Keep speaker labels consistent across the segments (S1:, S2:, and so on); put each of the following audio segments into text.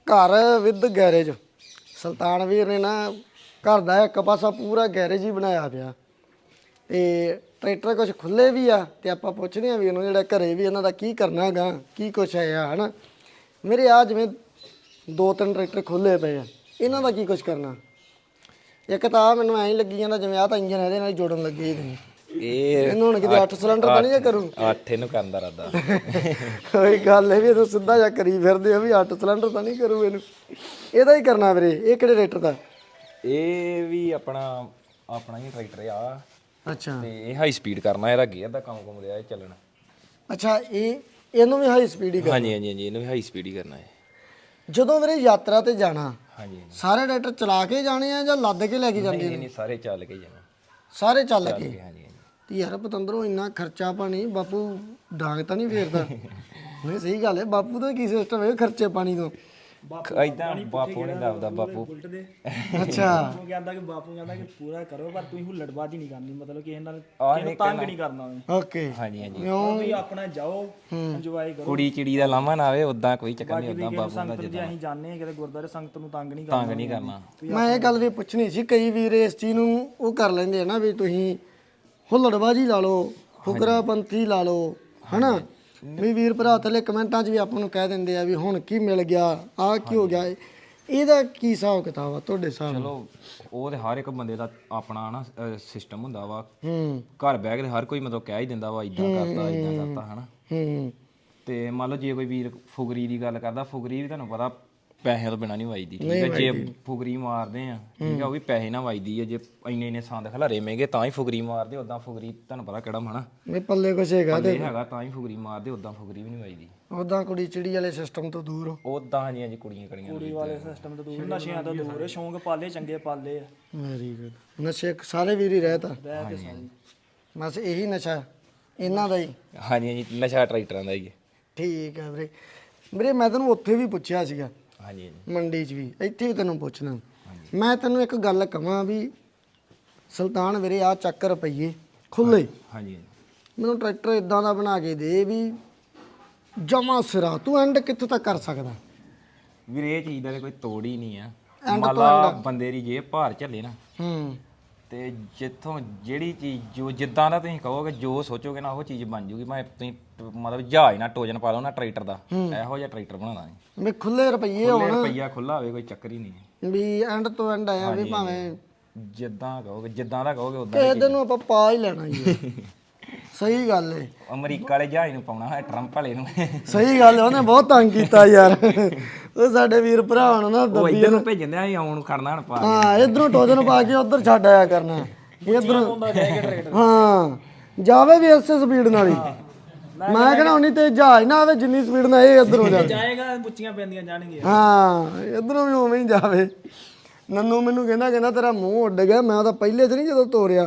S1: ਘਰ with garage. ਸੁਲਤਾਨ ਵੀਰ ਨੇ ਨਾ ਘਰ ਦਾ ਇੱਕ ਪਾਸਾ ਪੂਰਾ ਗੈਰੇਜ ਹੀ ਬਣਾਇਆ ਪਿਆ ਤੇ ਟਰੈਕਟਰ ਕੁਝ ਖੁੱਲੇ ਵੀ ਆ ਤੇ ਆਪਾਂ ਪੁੱਛਦੇ ਆ ਵੀ ਇਹਨੂੰ ਜਿਹੜਾ ਘਰੇ ਵੀ ਇਹਨਾਂ ਦਾ ਕੀ ਕਰਨਾ ਗਾ, ਕੀ ਕੁਛ ਹੈ ਆ ਹਨਾ। ਮੇਰੇ ਆ ਜਿਵੇਂ 2-3 ਟਰੈਕਟਰ ਖੁੱਲੇ ਪਏ ਆ, ਇਹਨਾਂ ਦਾ ਕੀ ਕੁਛ ਕਰਨਾ? ਇੱਕ ਤਾਂ ਆ ਮੈਨੂੰ ਐਂ ਹੀ ਲੱਗੀ ਜਾਂਦਾ ਜਿਵੇਂ ਆ ਤਾਂ ਇੰਜਨ ਇਹਦੇ ਨਾਲ ਹੀ ਜੋੜਨ ਲੱਗੇ ਇਹਨੂੰ ਹੁਣ ਕਿਤੇ 8 ਸਿਲੰਡਰ ਤਾਂ ਨਹੀਂ ਕਰੂ?
S2: 8 ਇਹਨੂੰ ਕਰਨ ਦਾ ਇਰਾਦਾ।
S1: ਉਹੀ ਗੱਲ ਹੈ ਵੀ ਇਹਨੂੰ ਸਿੱਧਾ ਜਿਹਾ ਕਰੀ ਫਿਰਦੇ ਆ ਵੀ 8 ਸਿਲੰਡਰ ਤਾਂ ਨਹੀਂ ਕਰੂ ਇਹਨੂੰ, ਇਹਦਾ ਹੀ ਕਰਨਾ ਵੀਰੇ। ਇਹ ਕਿਹੜੇ ਟਰੈਕਟਰ ਦਾ?
S2: ਇਹ ਵੀ ਆਪਣਾ ਹੀ ਟਰੈਕਟਰ ਆ।
S1: ਅੱਛਾ,
S2: ਤੇ ਇਹ ਹਾਈ ਸਪੀਡ ਕਰਨਾ, ਇਹਦਾ ਗੇਅਰ ਦਾ ਕੰਮ ਘੁੰਮ ਰਿਹਾ ਇਹ ਚੱਲਣਾ।
S1: ਅੱਛਾ, ਇਹਨੂੰ ਵੀ ਹਾਈ ਸਪੀਡ ਹੀ ਕਰਨਾ?
S2: ਹਾਂਜੀ ਹਾਂਜੀ ਹਾਂਜੀ, ਇਹਨੂੰ ਵੀ ਹਾਈ ਸਪੀਡ ਹੀ ਕਰਨਾ ਹੈ।
S1: ਜਦੋਂ ਵੀਰੇ ਯਾਤਰਾ ਤੇ ਜਾਣਾ,
S2: ਹਾਂਜੀ
S1: ਸਾਰੇ ਟਰੈਕਟਰ ਚਲਾ ਕੇ ਜਾਣੇ ਆ ਜਾਂ ਲੱਦ ਕੇ ਲੈ ਕੇ ਜਾਂਦੇ ਨੇ?
S2: ਨਹੀਂ, ਸਾਰੇ ਚੱਲ ਕੇ ਜਾਣਾ।
S1: ਸਾਰੇ ਚੱਲ ਕੇ?
S2: ਹਾਂਜੀ ਹਾਂਜੀ।
S1: ਤੇ ਯਾਰ ਪਤੰਦਰੋਂ ਇੰਨਾ ਖਰਚਾ ਪਾਣੀ, ਬਾਪੂ ਡਾਂਗ ਤਾਂ ਨਹੀਂ ਫੇਰਦਾ? ਨਹੀਂ ਸਹੀ ਗੱਲ ਹੈ, ਬਾਪੂ ਦਾ ਕੀ ਸਿਸਟਮ ਹੈ ਖਰਚੇ ਪਾਣੀ ਤੋਂ?
S2: ਇਦਾਂ ਬਾਪੂ ਨਹੀਂ ਦੱਬਦਾ ਬਾਪੂ।
S1: ਅੱਛਾ,
S3: ਉਹ ਕਹਿੰਦਾ ਕਿ ਬਾਪੂ ਕਹਿੰਦਾ ਕਿ ਪੂਰਾ ਕਰੋ ਪਰ ਤੁਸੀਂ ਹੁੱਲੜਬਾਜ਼ੀ ਨਹੀਂ ਕਰਨੀ, ਮਤਲਬ ਕਿਸੇ ਨਾਲ ਤੰਗ ਨਹੀਂ ਕਰਨਾ।
S1: ਓਕੇ।
S2: ਹਾਂਜੀ ਹਾਂਜੀ,
S3: ਵੀ ਆਪਣਾ ਜਾਓ ਇੰਜੋਏ ਕਰੋ,
S2: ਕੁੜੀ ਚਿੜੀ ਦਾ ਲਾਮਾ ਨਾ ਆਵੇ, ਉਦਾਂ ਕੋਈ ਚੱਕਰ ਨਹੀਂ। ਉਦਾਂ ਬਾਪੂ ਦਾ
S3: ਸੰਗਤ ਜੇ ਅਸੀਂ ਜਾਂਦੇ ਹਾਂ ਕਿਤੇ ਗੁਰਦੁਆਰੇ, ਸੰਗਤ ਨੂੰ ਤੰਗ ਨਹੀਂ
S2: ਤੰਗ ਨਹੀਂ ਕਰਨਾ।
S1: ਮੈਂ ਇਹ ਗੱਲ ਵੀ ਪੁੱਛਣੀ ਸੀ, ਕਈ ਵੀਰ ਇਸ ਚੀਜ਼ ਨੂੰ ਉਹ ਕਰ ਲੈਂਦੇ ਆ ਨਾ ਵੀ ਤੁਸੀਂ ਹੁੱਲੜਬਾਜੀ ਲਾ ਲਓ, ਫੁਕਰਾਪੰਥੀ ਲਾ ਲਓ ਹਨਾ। ਵੀ ਵੀਰ ਭਰਾ ਥੱਲੇ ਕਮੈਂਟਾਂ 'ਚ ਵੀ ਆਪਾਂ ਨੂੰ ਕਹਿ ਦਿੰਦੇ ਆ ਵੀ ਹੁਣ ਕੀ ਮਿਲ ਗਿਆ, ਆਹ ਕੀ ਹੋ ਗਿਆ। ਇਹਦਾ ਕੀ ਹਿਸਾਬ ਕਿਤਾਬ ਆ ਤੁਹਾਡੇ ਹਿਸਾਬ?
S2: ਚਲੋ ਉਹ ਤੇ ਹਰ ਇੱਕ ਬੰਦੇ ਦਾ ਆਪਣਾ ਨਾ ਸਿਸਟਮ ਹੁੰਦਾ ਵਾ।
S1: ਹੂੰ,
S2: ਘਰ ਬਹਿ ਕੇ ਹਰ ਕੋਈ ਮਤਲਬ ਕਹਿ ਹੀ ਦਿੰਦਾ ਵਾ ਇਦਾਂ ਕਰਤਾ ਹਨਾ।
S1: ਹੂੰ।
S2: ਤੇ ਮੰਨ ਲਓ ਜੇ ਕੋਈ ਵੀਰ ਫੁਗਰੀ ਦੀ ਗੱਲ ਕਰਦਾ, ਫੁਗਰੀ ਵੀ ਤੁਹਾਨੂੰ ਪਤਾ ਪੈਸੇ ਤੋਂ ਬਿਨਾਂ ਨਹੀਂ ਵੱਜਦੀ, ਠੀਕ ਹੈ। ਜੇ ਫੁਗਰੀ ਮਾਰਦੇ ਆ, ਠੀਕ ਹੈ, ਉਹ ਵੀ ਪੈਸੇ ਨਾਲ ਵੱਜਦੀ ਹੈ। ਜੇ ਇੰਨੇ ਸੰਦ ਖਲਾਰੇ ਮਹਿੰਗੇ ਤਾਂ ਹੀ ਫੁਗਰੀ ਮਾਰਦੇ, ਉਦਾਂ ਫੁਗਰੀ ਤੁਹਾਨੂੰ ਪਤਾ ਕਿਹੜਾ ਹਨਾ
S1: ਵੀ ਪੱਲੇ ਕੁਛ ਹੈਗਾ ਤੇ
S2: ਹੈਗਾ ਤਾਂ ਹੀ ਫੁਗਰੀ ਮਾਰਦੇ, ਉਦਾਂ ਫੁਗਰੀ ਵੀ ਨਹੀਂ ਵੱਜਦੀ।
S1: ਉਦਾਂ ਕੁੜੀ ਚਿੜੀ ਵਾਲੇ ਸਿਸਟਮ ਤੋਂ ਦੂਰ ਹੋ?
S2: ਉਦਾਂ ਹਾਂਜੀ ਹਾਂਜੀ, ਕੁੜੀਆਂ
S3: ਕੁੜੀ ਵਾਲੇ ਸਿਸਟਮ ਤੋਂ ਦੂਰ, ਨਸ਼ਿਆਂ ਤੋਂ ਦੂਰ, ਸ਼ੌਂਕ ਪਾਲੇ ਚੰਗੇ ਪਾਲੇ ਆ।
S1: Very good. ਨਸ਼ੇ ਸਾਰੇ ਵੀਰ ਹੀ ਰਹਿਤਾ
S3: ਰਹਿ ਕੇ ਸਾਰੀ
S1: ਬਸ ਇਹੀ ਨਸ਼ਾ ਇਹਨਾਂ ਦਾ ਹੀ?
S2: ਹਾਂਜੀ ਹਾਂਜੀ, ਨਸ਼ਾ ਟਰੈਕਟਰਾਂ ਦਾ ਹੀ ਹੈ।
S1: ਠੀਕ ਹੈ ਵੀਰੇ। ਵੀਰੇ ਮੈਂ ਤੈਨੂੰ ਉੱਥੇ ਵੀ ਪੁੱਛਿਆ ਸੀਗਾ,
S2: ਹਾਂਜੀ ਹਾਂਜੀ
S1: ਮੰਡੀ 'ਚ ਵੀ, ਇੱਥੇ ਵੀ ਤੈਨੂੰ ਪੁੱਛਣਾ। ਮੈਂ ਤੈਨੂੰ ਇੱਕ ਗੱਲ ਕਹਾਂ ਵੀ ਸੁਲਤਾਨ ਵੀਰੇ ਆ ਚੱਕ ਰੁਪਈਏ ਖੁੱਲੇ,
S2: ਹਾਂਜੀ
S1: ਮੈਨੂੰ ਟਰੈਕਟਰ ਇਦਾਂ ਦਾ ਬਣਾ ਕੇ ਦੇ ਵੀ ਜਮਾ ਸਿਰਾ, ਤੂੰ ਐਂਡ ਕਿੱਥੇ ਤੱਕ ਕਰ ਸਕਦਾ?
S2: ਵੀਰ ਇਹ ਚੀਜ਼ ਦਾ ਤਾਂ ਕੋਈ ਤੋੜ ਹੀ ਨਹੀਂ ਆ। ਮੰਨ ਲਾ ਬੰਦੇ ਦੀ ਜੇ ਭਾਰ ਝੱਲੇ ਨਾ,
S1: ਹੂੰ,
S2: ਤੇ ਜਿੱਥੋਂ ਜਿਹੜੀ ਚੀਜ਼ ਜੋ ਜਿੱਦਾਂ ਦਾ ਤੁਸੀਂ ਕਹੋਗੇ, ਜੋ ਸੋਚੋਗੇ ਨਾ ਉਹ ਚੀਜ਼ ਬਣ ਜੂਗੀ। ਮੈਂ ਤੁਸੀਂ ਮਤਲਬ ਜਹਾਜ਼ ਨਾਲ ਟੋਜਨ ਪਾ ਲਓ ਨਾ ਟਰੈਕਟਰ ਦਾ, ਇਹੋ ਜਿਹਾ ਟਰੈਕਟਰ ਬਣਾਉਣਾ ਹੈ।
S1: ਵੀ ਖੁੱਲੇ ਰੁਪਈਏ ਹੋਣ,
S2: ਰੁਪਈਆ ਖੁੱਲਾ ਹੋਵੇ, ਕੋਈ ਚੱਕਰ ਹੀ ਨਹੀਂ।
S1: ਵੀ ਐਂਡ ਤੋਂ ਐਂਡ ਆਇਆ ਵੀ ਭਾਵੇਂ
S2: ਜਿੱਦਾਂ ਕਹੋਗੇ, ਜਿੱਦਾਂ ਦਾ ਕਹੋਗੇ ਉਦਾਂ
S1: ਕਿਸੇ ਦਿਨ ਨੂੰ ਆਪਾਂ ਪਾ ਹੀ ਲੈਣਾ ਜੀ। ਸਹੀ ਗੱਲ ਏ।
S2: ਅਮਰੀਕਾ ਵਾਲੇ ਜਹਾਜ਼ ਨੂੰ ਪਾਉਣਾ ਹੈ, ਟਰੰਪ ਵਾਲੇ ਨੂੰ।
S1: ਸਹੀ ਗੱਲ ਏ, ਉਹਨੇ ਬਹੁਤ ਤੰਗ ਕੀਤਾ ਯਾਰ। ਉਹ ਸਾਡੇ ਵੀਰ ਭਰਾ ਹੁਣ ਨਾ
S2: ਉਹ ਇੱਧਰ ਨੂੰ ਭੇਜਣ ਆ, ਆਉਣ ਨੂੰ ਖੜਨਾ ਹਣ ਪਾ।
S1: ਹਾਂ, ਇਧਰੋਂ ਟੋਜਨ ਪਾ ਕੇ ਉਧਰ ਛੱਡ ਆਇਆ ਕਰਨਾ। ਇਧਰੋਂ ਹਾਂ, ਜਾਵੇ ਵੀ ਇਸੇ ਸਪੀਡ ਨਾਲ ਹੀ। ਮੈਂ ਕਹਿੰਦਾ ਉਨੀ ਤੇ ਜਹਾਜ਼ ਨਾ ਆਵੇ ਜਿੰਨੀ ਸਪੀਡ ਨਾਲ ਇਹ ਇਧਰੋਂ
S3: ਜਾਏਗਾ, ਬੁੱਚੀਆਂ ਪੈਂਦੀਆਂ ਜਾਣਗੀਆਂ।
S1: ਹਾਂ, ਇਧਰੋਂ ਵੀ ਉਵੇਂ ਹੀ ਜਾਵੇ। ਨੰਨੂ ਮੈਨੂੰ ਕਹਿੰਦਾ ਤੇਰਾ ਮੂੰਹ ਉੱਡ ਗਿਆ। ਮੈਂ ਤਾਂ ਪਹਿਲੇ 'ਚ ਨਹੀਂ ਜਦੋਂ ਤੋਰਿਆ,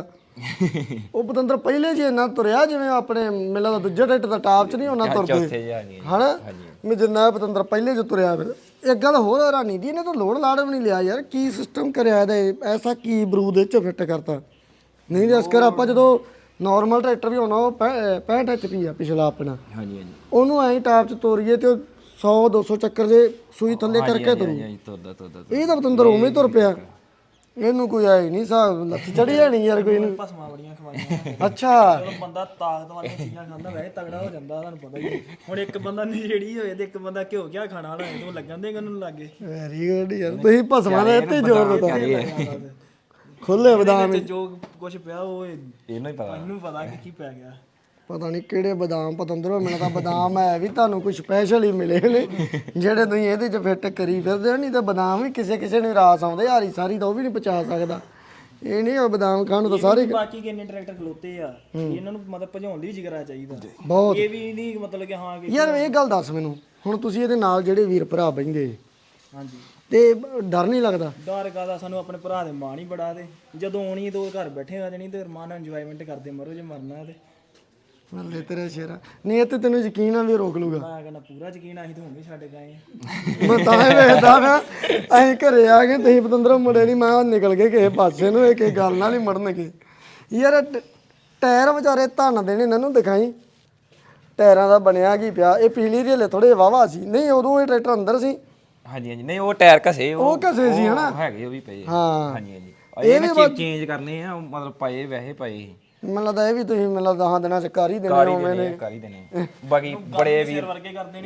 S1: ਉਹ ਪਤੰਦਰ ਪਹਿਲੇ 'ਚ ਇੰਨਾ ਤੁਰਿਆ ਜਿਵੇਂ ਆਪਣੇ ਮੇਲਾ ਦਾ ਦੂਜੇ ਟਰੈਕਟਰ ਦਾ ਟਾਪ 'ਚ ਨਹੀਂ ਉਹਨਾਂ ਤੁਰਦੇ ਹਨਾ। ਮੈਂ ਜਿੰਨਾ ਪਤੰਦਰ ਪਹਿਲੇ 'ਚ ਤੁਰਿਆ। ਫਿਰ ਇੱਕ ਗੱਲ ਹੋਰ ਹੈਰਾਨੀ ਦੀ, ਇਹਨੇ ਤਾਂ ਲੋਡ ਲਾੜ ਵੀ ਨਹੀਂ ਲਿਆ ਯਾਰ। ਕੀ ਸਿਸਟਮ ਕਰਿਆ ਇਹਦਾ? ਐਸਾ ਕੀ ਬਰੂਦ ਇਹ 'ਚ ਫਿੱਟ ਕਰਤਾ? ਨਹੀਂ ਜਿਸ ਕਰ ਆਪਾਂ ਜਦੋਂ ਨੋਰਮਲ ਟਰੈਕਟਰ ਵੀ ਹੋਣਾ, ਉਹ 65 HP ਆ ਪਿਛਲਾ ਆਪਣਾ,
S2: ਹਾਂਜੀ ਹਾਂਜੀ,
S1: ਉਹਨੂੰ ਐਂ ਟਾਪ 'ਚ ਤੋਰੀਏ ਤੇ 100-200 ਚੱਕਰ ਜੇ ਸੂਈ ਥੱਲੇ ਕਰਕੇ ਤੁਰੂ। ਇਹ ਤਾਂ ਪਤੰਦਰ ਉਵੇਂ ਤੁਰ ਪਿਆ। ਇਹਨੂੰ ਕੋਈ ਆਈ ਨਹੀਂ ਹਿਸਾਬ, ਲੱਤ ਚੜੀ ਜਾਣੀ ਯਾਰ ਕੋਈ ਨੂੰ।
S3: ਭਸਮਾਂ ਬੜੀਆਂ ਖਵਾਈਆਂ।
S1: ਅੱਛਾ,
S3: ਜਦੋਂ ਬੰਦਾ ਤਾਕਤ ਵਾਲੀਆਂ ਚੀਜ਼ਾਂ ਖਾਂਦਾ ਵੈਸੇ ਤਗੜਾ ਹੋ ਜਾਂਦਾ, ਤੁਹਾਨੂੰ ਪਤਾ ਹੀ। ਹੁਣ ਇੱਕ ਬੰਦਾ ਨਸ਼ੇੜੀ ਹੋਏ ਤੇ ਇੱਕ ਬੰਦਾ ਘਿਓ ਕਿਆ ਖਾਣਾ ਵਾਲਾ ਹੋਏ, ਤੇ ਉਹ ਲੱਗਣ ਦੇ ਉਹਨੂੰ ਲੱਗੇ।
S1: ਵੈਰੀ ਗੁੱਡ ਯਾਰ, ਤੁਸੀਂ ਭਸਮਾਂ ਦੇ ਇੱਥੇ ਜ਼ੋਰ ਦਿੱਤਾ। ਖੁੱਲੇ ਬਦਾਮ
S3: ਜੋ ਕੁਝ ਪਿਆ ਉਹ
S2: ਇਹਨੂੰ ਹੀ ਪਤਾ,
S3: ਇਹਨੂੰ ਪਤਾ ਕਿ ਕੀ ਪੈ ਗਿਆ।
S1: ਪਤਾ ਨਹੀਂ ਕਿਹੜੇ ਬਦਾਮ ਪਤੰਦਰੋਂ। ਮੈਨੂੰ ਤਾਂ ਬਦਾਮ ਹੈ ਵੀ ਤੁਹਾਨੂੰ ਕੁਝ ਸਪੈਸ਼ਲ ਹੀ ਮਿਲੇ ਨੇ ਜਿਹੜੇ ਤੁਸੀਂ ਇਹਦੇ 'ਚ ਫਿੱਟ ਕਰੀ ਫਿਰਦੇ ਹੋ। ਨਹੀਂ ਤਾਂ ਬਦਾਮ ਵੀ ਕਿਸੇ ਨੂੰ ਰਾਸ ਆਉਂਦੇ, ਹਾਰੀ ਸਾਰੀ ਤਾਂ ਉਹ ਵੀ ਨਹੀਂ ਪਚਾ ਸਕਦਾ। ਇਹ ਨਹੀਂ ਉਹ ਬਦਾਮ ਖਾਣ ਨੂੰ ਤਾਂ ਸਾਰੇ।
S3: ਬਾਕੀ ਕਿੰਨੇ ਟਰੈਕਟਰ ਖਲੋਤੇ ਆ, ਇਹਨਾਂ ਨੂੰ ਮਤਲਬ ਭਜਾਉਣ ਦੀ ਵੀ ਜਿਗਰਾ ਚਾਹੀਦਾ
S1: ਬਹੁਤ।
S3: ਇਹ ਵੀ ਨਹੀਂ ਮਤਲਬ ਕਿ ਹਾਂ ਕਿ
S1: ਯਾਰ ਇਹ ਗੱਲ ਦੱਸ ਮੈਨੂੰ, ਹੁਣ ਤੁਸੀਂ ਇਹਦੇ ਨਾਲ ਜਿਹੜੇ ਵੀਰ ਭਰਾ ਬਹਿੰਦੇ
S3: ਹਾਂਜੀ,
S1: ਤੇ ਡਰ ਨਹੀਂ ਲੱਗਦਾ?
S3: ਡਰ ਕਾਹਦਾ, ਸਾਨੂੰ ਆਪਣੇ ਭਰਾ ਦੇ ਮਾਣ ਹੀ ਬੜਾ। ਤੇ ਜਦੋਂ ਆਉਣੀ ਦੋ ਘਰ ਬੈਠੇ ਆ ਜਣੀ ਤੇ ਰਮਾਨ ਨਾਲ ਇੰਜੋਇਮੈਂਟ ਕਰਦੇ ਮਰੋ, ਜੇ ਮਰਨਾ ਤੇ
S1: ਮੱਲੇ ਤੇਰਾ ਸ਼ੇਰਾ। ਨਹੀਂ, ਇੱਥੇ ਤੈਨੂੰ ਯਕੀਨ ਆ ਵੀ ਰੋਕ ਲੂਗਾ?
S3: ਮੈਂ ਕਹਿੰਦਾ ਪੂਰਾ ਯਕੀਨ, ਅਸੀਂ ਤਾਂ ਹੁਣ ਵੀ ਛੱਡ ਗਏ।
S1: ਮੈਂ ਤਾਂ ਹੀ ਵੇਖਦਾ ਨਾ, ਅਸੀਂ ਘਰੇ ਆ ਗਏ, ਤੁਸੀਂ ਪਤੰਦਰੋਂ ਮੁੜੇ ਨਹੀਂ। ਮੈਂ ਨਿਕਲ ਗਏ ਕਿਸੇ ਪਾਸੇ ਨੂੰ, ਇਹ ਗੱਲ ਨਾਲ ਹੀ ਮੜਨਗੇ ਯਾਰ। ਟਾਇਰ ਵਿਚਾਰੇ ਧੰਨ ਦੇਣੇ ਇਹਨਾਂ ਨੂੰ, ਦਿਖਾਈ ਟਾਇਰਾਂ ਦਾ ਬਣਿਆ ਕੀ ਪਿਆ। ਇਹ ਪੀਲੀ ਰੇਲੇ ਥੋੜੇ ਵਾਵਾ ਸੀ, ਨਹੀਂ ਉਦੋਂ ਇਹ ਟਰੈਕਟਰ ਅੰਦਰ ਸੀ।
S2: ਹਾਂਜੀ ਹਾਂਜੀ ਨਹੀਂ ਉਹ ਟਾਇਰ ਘਸੇ
S1: ਉਹ ਘਸੇ ਸੀ ਹਨਾ
S2: ਹੈਗੇ ਉਹ ਵੀ ਪਏ
S1: ਹਾਂ
S2: ਹਾਂਜੀ ਹਾਂਜੀ ਇਹ ਵੀ ਚੇਂਜ ਕਰਨੇ ਆ ਮਤਲਬ ਪਏ ਵੈਸੇ ਪਏ ਸੀ
S1: ਮੈਨੂੰ ਲੱਗਦਾ ਇਹ ਵੀ ਤੁਸੀਂ ਮੈਨੂੰ ਲੱਗਦਾ 10 ਦਿਨਾਂ ਚ ਕਰ ਹੀ ਦੇਣੇ
S2: ਕਰ ਹੀ
S1: ਉਵੇਂ
S2: ਦੇਣੇ
S1: ਨੇ
S2: ਆ ਕਰ ਹੀ ਦੇਣੇ ਆ। ਬਾਕੀ ਬੜੇ ਵੀਰ
S3: ਵਰਗੇ ਕਰਦੇ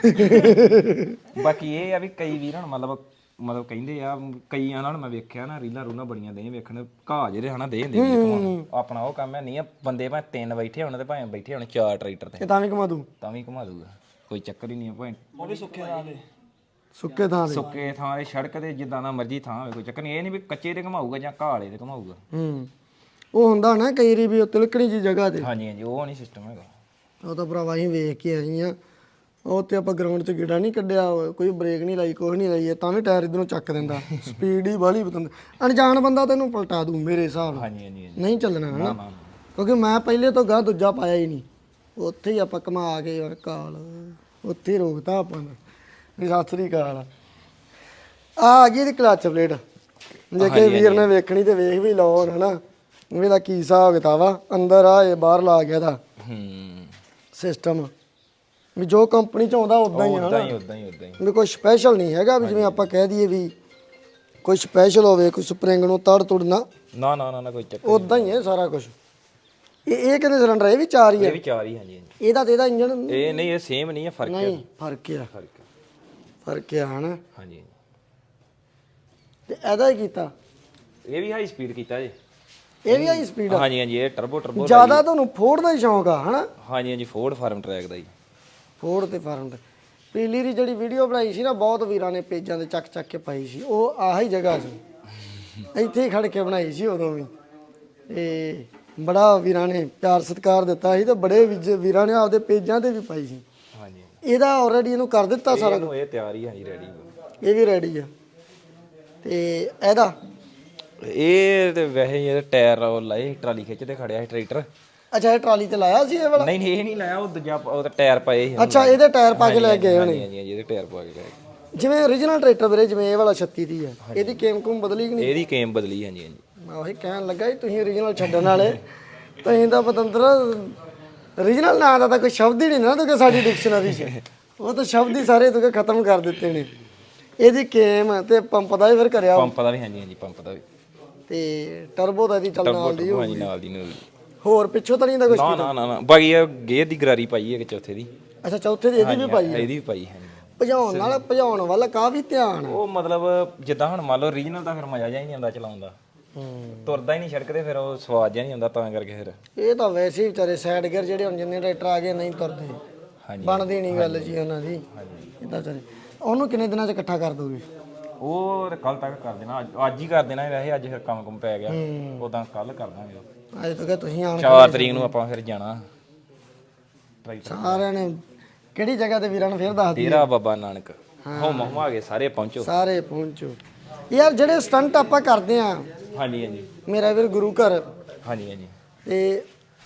S3: ਨੇ
S2: ਬਾਕੀ ਇਹ ਆ ਵੀ ਕਈ ਵੀਰ ਹੁਣ ਮਤਲਬ ਕਹਿੰਦੇ ਆ ਕਈਆਂ ਨਾਲ ਮੈਂ ਵੇਖਿਆ ਨਾ ਰੀਲਾਂ ਰੂਲਾਂ ਬੜੀਆਂ ਦੇ ਵੇਖਣ ਘਾਹ ਜਿਹੜੇ ਹਨਾ ਦੇ ਹੁੰਦੇ ਵੀਰ ਆਪਣਾ ਉਹ ਕੰਮ ਹੈ ਨਹੀਂ ਆ ਬੰਦੇ ਭਾਵੇਂ 3 ਬੈਠੇ ਹੋਣ ਤੇ ਭਾਵੇਂ ਬੈਠੇ ਹੋਣ 4 ਟਰੈਕਟਰ ਤੇ
S1: ਇਹ ਤਾਂ ਵੀ ਘੁਮਾ ਦੂ
S2: ਤਾਂ ਵੀ ਘੁਮਾ ਦੂਗਾ ਕੋਈ ਚੱਕਰ ਹੀ ਨਹੀਂ ਆ ਭਾਵੇਂ
S3: ਉਹ ਵੀ ਸੁੱਕੇ ਥਾਂ ਦੇ
S1: ਸੁੱਕੇ ਥਾਂ ਦੇ
S2: ਸੁੱਕੇ ਥਾਂ ਤੇ ਸੜਕ ਤੇ ਜਿੱਦਾਂ ਦਾ ਮਰਜ਼ੀ ਥਾਂ ਹੋਵੇ ਕੋਈ ਚੱਕਰ ਨਹੀਂ ਇਹ ਨਹੀਂ ਵੀ ਕੱਚੇ ਤੇ ਘਮਾਊਗਾ ਜਾਂ ਘਾਹ ਵਾਲੇ ਤੇ ਘਮਾਊਗਾ
S1: ਉਹ ਹੁੰਦਾ ਨਾ ਕਈ ਰੀ ਵੀ ਉਹ ਤਿਲਕਣੀ ਜੀ ਜਗ੍ਹਾ ਤੇ
S2: ਹਾਂਜੀ ਹਾਂਜੀ ਉਹ ਨਹੀਂ ਸਿਸਟਮ ਹੈਗਾ
S1: ਉਹ ਤਾਂ ਭਰਾਵਾ ਅਸੀਂ ਵੇਖ ਕੇ ਆਏ ਆ ਉਹ ਤੇ ਆਪਾਂ ਗਰਾਊਂਡ 'ਚ ਗੇੜਾ ਨਹੀਂ ਕੱਢਿਆ ਕੋਈ ਬ੍ਰੇਕ ਨਹੀਂ ਲਾਈ ਕੁਛ ਨਹੀਂ ਲਾਈ ਤਾਂ ਵੀ ਟਾਇਰ ਇਧਰੋਂ ਚੱਕ ਦਿੰਦਾ ਸਪੀਡ ਹੀ ਬਾਹਲੀ ਬਤੰਦ ਅਣਜਾਣ ਬੰਦਾ ਤੈਨੂੰ ਪਲਟਾ ਦੂ ਮੇਰੇ ਹਿਸਾਬ ਨਾਲ
S2: ਹਾਂਜੀ ਹਾਂਜੀ ਹਾਂਜੀ
S1: ਨਹੀਂ ਚੱਲਣਾ ਹਨਾ
S2: ਨਾ
S1: ਕਿਉਂਕਿ ਮੈਂ ਪਹਿਲੇ ਤੋਂ ਗਾਂ ਦੂਜਾ ਪਾਇਆ ਹੀ ਨਹੀਂ ਉੱਥੇ ਹੀ ਆਪਾਂ ਕਮਾ ਕੇ ਯਾਰ ਕਾਲ ਉੱਥੇ ਹੀ ਰੋਕਤਾ ਆਪਾਂ ਨੇ ਵੀ ਸਤਿ ਸ੍ਰੀ ਅਕਾਲ ਆ ਗਈ ਇਹਦੀ ਕਲੱਚ ਪਲੇਟ ਜੇ ਕਿ ਵੀਰ ਨੇ ਵੇਖਣੀ ਤੇ ਵੇਖ ਵੀ ਲਓ ਹਨਾ ਇਹਦਾ ਕੀ ਹਿਸਾਬ ਕਿਤਾਬ ਆ ਅੰਦਰ ਆ ਇਹ ਬਾਹਰ ਲਾ ਗਿਆ ਦਾ ਸਿਸਟਮ ਵੀ ਜੋ ਕੰਪਨੀ ਚ ਆਉਂਦਾ ਉਦਾਂ ਹੀ ਆ
S2: ਉਦਾਂ ਹੀ
S1: ਵੀ ਕੋਈ ਸਪੈਸ਼ਲ ਨਹੀਂ ਹੈਗਾ ਵੀ ਜਿਵੇਂ ਆਪਾਂ ਕਹਿ ਦਈਏ ਵੀ ਕੋਈ ਸਪੈਸ਼ਲ ਹੋਵੇ ਕੋਈ ਸਪਰਿੰਗ ਨੂੰ ਤੜ ਤੁੜਨਾ
S2: ਨਾ ਕੋਈ ਚੱਕਰ
S1: ਉਦਾਂ ਹੀ ਹੈ ਸਾਰਾ ਕੁਝ ਇਹ ਕਿੰਨੇ ਸਿਲੰਡਰ ਇਹ ਵੀ 4 ਹੀ
S2: ਇਹ
S1: ਹੈ
S2: ਵੀ 4 ਹੀ ਹਾਂਜੀ ਹਾਂਜੀ
S1: ਇਹਦਾ ਤੇ ਇਹਦਾ ਇੰਜਨ
S2: ਇਹ ਨਹੀਂ ਇਹ ਸੇਮ ਨਹੀਂ ਹੈ ਫਰਕ ਹੈ
S1: ਨਹੀਂ ਫਰਕ ਆ ਹਨਾ
S2: ਹਾਂਜੀ
S1: ਤੇ ਇਹਦਾ ਹੀ ਕੀਤਾ
S2: ਇਹ ਵੀ ਹਾਈ ਸਪੀਡ ਕੀਤਾ ਜੀ
S1: ਇਹ ਵੀ ਹਾਈ ਸਪੀਡ ਆ
S2: ਹਾਂਜੀ ਇਹ ਟਰਬੋ
S1: ਜ਼ਿਆਦਾ ਤੁਹਾਨੂੰ ਫੋਰਡ ਦਾ ਹੀ ਸ਼ੌਂਕ ਆ ਹਨਾ
S2: ਹਾਂਜੀ ਫੋਰਡ ਫਾਰਮ ਟਰੈਕ ਦਾ ਜੀ
S1: ਫੋਰਡ ਤੇ ਫਾਰਮ ਤੇ ਪੀਲੀ ਦੀ ਜਿਹੜੀ ਵੀਡੀਓ ਬਣਾਈ ਸੀ ਨਾ ਬਹੁਤ ਵੀਰਾਂ ਨੇ ਪੇਜਾਂ ਤੇ ਚੱਕ ਕੇ ਪਾਈ ਸੀ ਉਹ ਆਹੀ ਜਗ੍ਹਾ ਸੀ ਇੱਥੇ ਹੀ ਖੜ ਕੇ ਬਣਾਈ ਸੀ ਉਦੋਂ ਵੀ ਤੇ ਬੜਾ ਵੀਰਾਂ ਨੇ ਪਿਆਰ ਸਤਿਕਾਰ ਦਿੱਤਾ ਸੀ ਤੇ ਬੜੇ ਵੀਰਾਂ ਨੇ ਆਪਦੇ ਪੇਜਾਂ ਤੇ ਵੀ ਪਾਈ ਸੀ
S2: ਹਾਂਜੀ
S1: ਇਹਦਾ ਆਲਰੇਡੀ ਇਹਨੂੰ ਕਰ ਦਿੱਤਾ ਸਾਰਾ
S2: ਇਹ ਤਿਆਰ ਹੀ ਹਾਂਜੀ ਰੈਡੀ
S1: ਇਹ ਵੀ ਰੈਡੀ ਆ ਤੇ ਇਹਦਾ
S2: ਇਹ ਤੇ ਵੈਸੇ ਇਹ ਟਾਇਰ ਉਹ ਲਾਏ ਟਰਾਲੀ ਖਿੱਚਦੇ ਖੜਿਆ ਸੀ ਟਰੈਕਟਰ
S1: ਅੱਛਾ ਇਹ ਟਰਾਲੀ ਤੇ ਲਾਇਆ ਸੀ ਇਹ ਵਾਲਾ
S2: ਨਹੀਂ ਇਹ ਨਹੀਂ ਲਾਇਆ ਉਹ ਦੂਜਾ ਉਹ ਤਾਂ ਟਾਇਰ ਪਏ ਸੀ
S1: ਅੱਛਾ ਇਹਦੇ ਟਾਇਰ ਪਾ ਕੇ ਲੈ ਗਏ ਹੋਣੇ
S2: ਹਾਂਜੀ ਇਹਦੇ ਟਾਇਰ ਪਾ ਕੇ ਲੈ ਗਏ
S1: ਜਿਵੇਂ origignal ਟਰੈਕਟਰ ਵੀਰੇ ਜਿਵੇਂ ਇਹ ਵਾਲਾ 36 ਦੀ ਆ ਇਹਦੀ ਕੇਮ ਕੁਮ ਬਦਲੀ ਕਿ ਨਹੀਂ
S2: ਇਹਦੀ ਕੇਮ ਬਦਲੀ ਹਾਂਜੀ
S1: ਮੈਂ ਉਹੀ ਕਹਿਣ ਲੱਗਾ ਜੀ ਤੁਸੀਂ origignal ਛੱਡਣ ਵਾਲੇ ਤੁਸੀਂ ਤਾਂ ਪਤੰਦਰ origignal ਨਾਂ ਦਾ ਤਾਂ ਕੋਈ ਸ਼ਬਦ ਹੀ ਨਹੀਂ ਨਾ ਕਿ ਸਾਡੀ ਡਿਕਸ਼ਨਰੀ 'ਚ ਉਹ ਤਾਂ ਸ਼ਬਦ ਹੀ ਸਾਰੇ ਤੁਸੀਂ ਖਤਮ ਕਰ ਦਿੱਤੇ ਨੇ ਇਹਦੀ ਕੇਮ ਤੇ ਪੰਪ ਦਾ ਵੀ ਫਿਰ ਕਰਿਆ
S2: ਪੰਪ ਦਾ ਵੀ ਹਾਂਜੀ ਪੰਪ ਦਾ ਵੀ
S1: ਤੇ ਟਰਬੋ ਦਾ ਇਹਦੀ ਚੱਲਣ ਨਾਲ ਦੀ
S2: ਹਾਂਜੀ ਨਾਲ ਦੀ
S1: ਹੋਰ ਪਿੱਛੋਂ ਤਾਂ ਨਹੀਂ ਦਾ ਕੁਝ
S2: ਨਾ ਬਾਕੀ ਇਹ ਗੇਅਰ ਦੀ ਗਰਾਰੀ ਪਾਈ ਹੈ ਕਿ ਚੌਥੇ ਦੀ
S1: ਅੱਛਾ ਚੌਥੇ ਦੀ ਇਹਦੀ ਵੀ ਪਾਈ ਹੈ
S2: ਇਹਦੀ ਵੀ ਪਾਈ ਹਾਂਜੀ
S1: ਭਜਾਉਣ ਵੱਲ ਕਾਫੀ ਧਿਆਨ
S2: ਉਹ ਮਤਲਬ ਜਿੱਦਾਂ ਹੁਣ ਮੰਨ ਲਓ ਰੀਜਨਲ ਦਾ ਫਿਰ ਮਜ਼ਾ ਜਿਹਾ ਨਹੀਂ ਆਉਂਦਾ ਚਲਾਉਣ ਦਾ ਤੁਰਦਾ ਹੀ ਨਹੀਂ ਸੜਕ ਤੇ ਫਿਰ ਉਹ ਸਵਾਦ ਜਿਹਾ ਨਹੀਂ ਆਉਂਦਾ ਤਾਂ ਕਰਕੇ ਫਿਰ
S1: ਇਹ ਤਾਂ ਵੈਸੇ ਹੀ ਵਿਚਾਰੇ ਸਾਈਡ ਗੇਅਰ ਜਿਹੜੇ ਹੁਣ ਜਿੰਨੇ ਟਰੈਕਟਰ ਆ ਗਏ ਨਹੀਂ ਤੁਰਦੇ
S2: ਹਾਂਜੀ
S1: ਬਣਦੀ ਨਹੀਂ ਗੱਲ ਜੀ ਉਹਨਾਂ ਦੀ ਇਦਾਂ ਵਿਚਾਰੇ ਉਹਨੂੰ ਕਿੰਨੇ ਦਿਨਾਂ 'ਚ ਇਕੱਠਾ ਕਰ ਦੋਗੇ
S2: ਉਹ ਕੱਲ ਤੱਕ ਕਰ ਦੇਣਾ ਅੱਜ ਹੀ ਕਰ ਦੇਣਾ ਵੈਸੇ ਅੱਜ ਫਿਰ ਕੰਮ ਪੈ ਗਿਆ ਉਦਾਂ ਕੱਲ ਕਰ ਦਾਂਗੇ
S1: ਅੱਜ ਤੱਕ ਤੁਸੀਂ ਆਣ
S2: 4 ਤਰੀਕ ਨੂੰ ਆਪਾਂ ਫਿਰ ਜਾਣਾ
S1: ਸਾਰਿਆਂ ਨੇ ਕਿਹੜੀ ਜਗ੍ਹਾ ਤੇ ਵੀਰਾਂ ਨੂੰ ਫੇਰ ਦੱਸ
S2: ਡੇਰਾ ਬਾਬਾ ਨਾਨਕ ਹੋਮ ਆ ਗਏ ਸਾਰੇ ਪਹੁੰਚੋ
S1: ਸਾਰੇ ਪਹੁੰਚੋ ਯਾਰ ਜਿਹੜੇ ਸਟੰਟ ਆਪਾਂ ਕਰਦੇ ਆ
S2: ਹਾਂਜੀ
S1: ਮੇਰਾ ਵੀਰ ਗੁਰੂ ਘਰ
S2: ਹਾਂਜੀ
S1: ਤੇ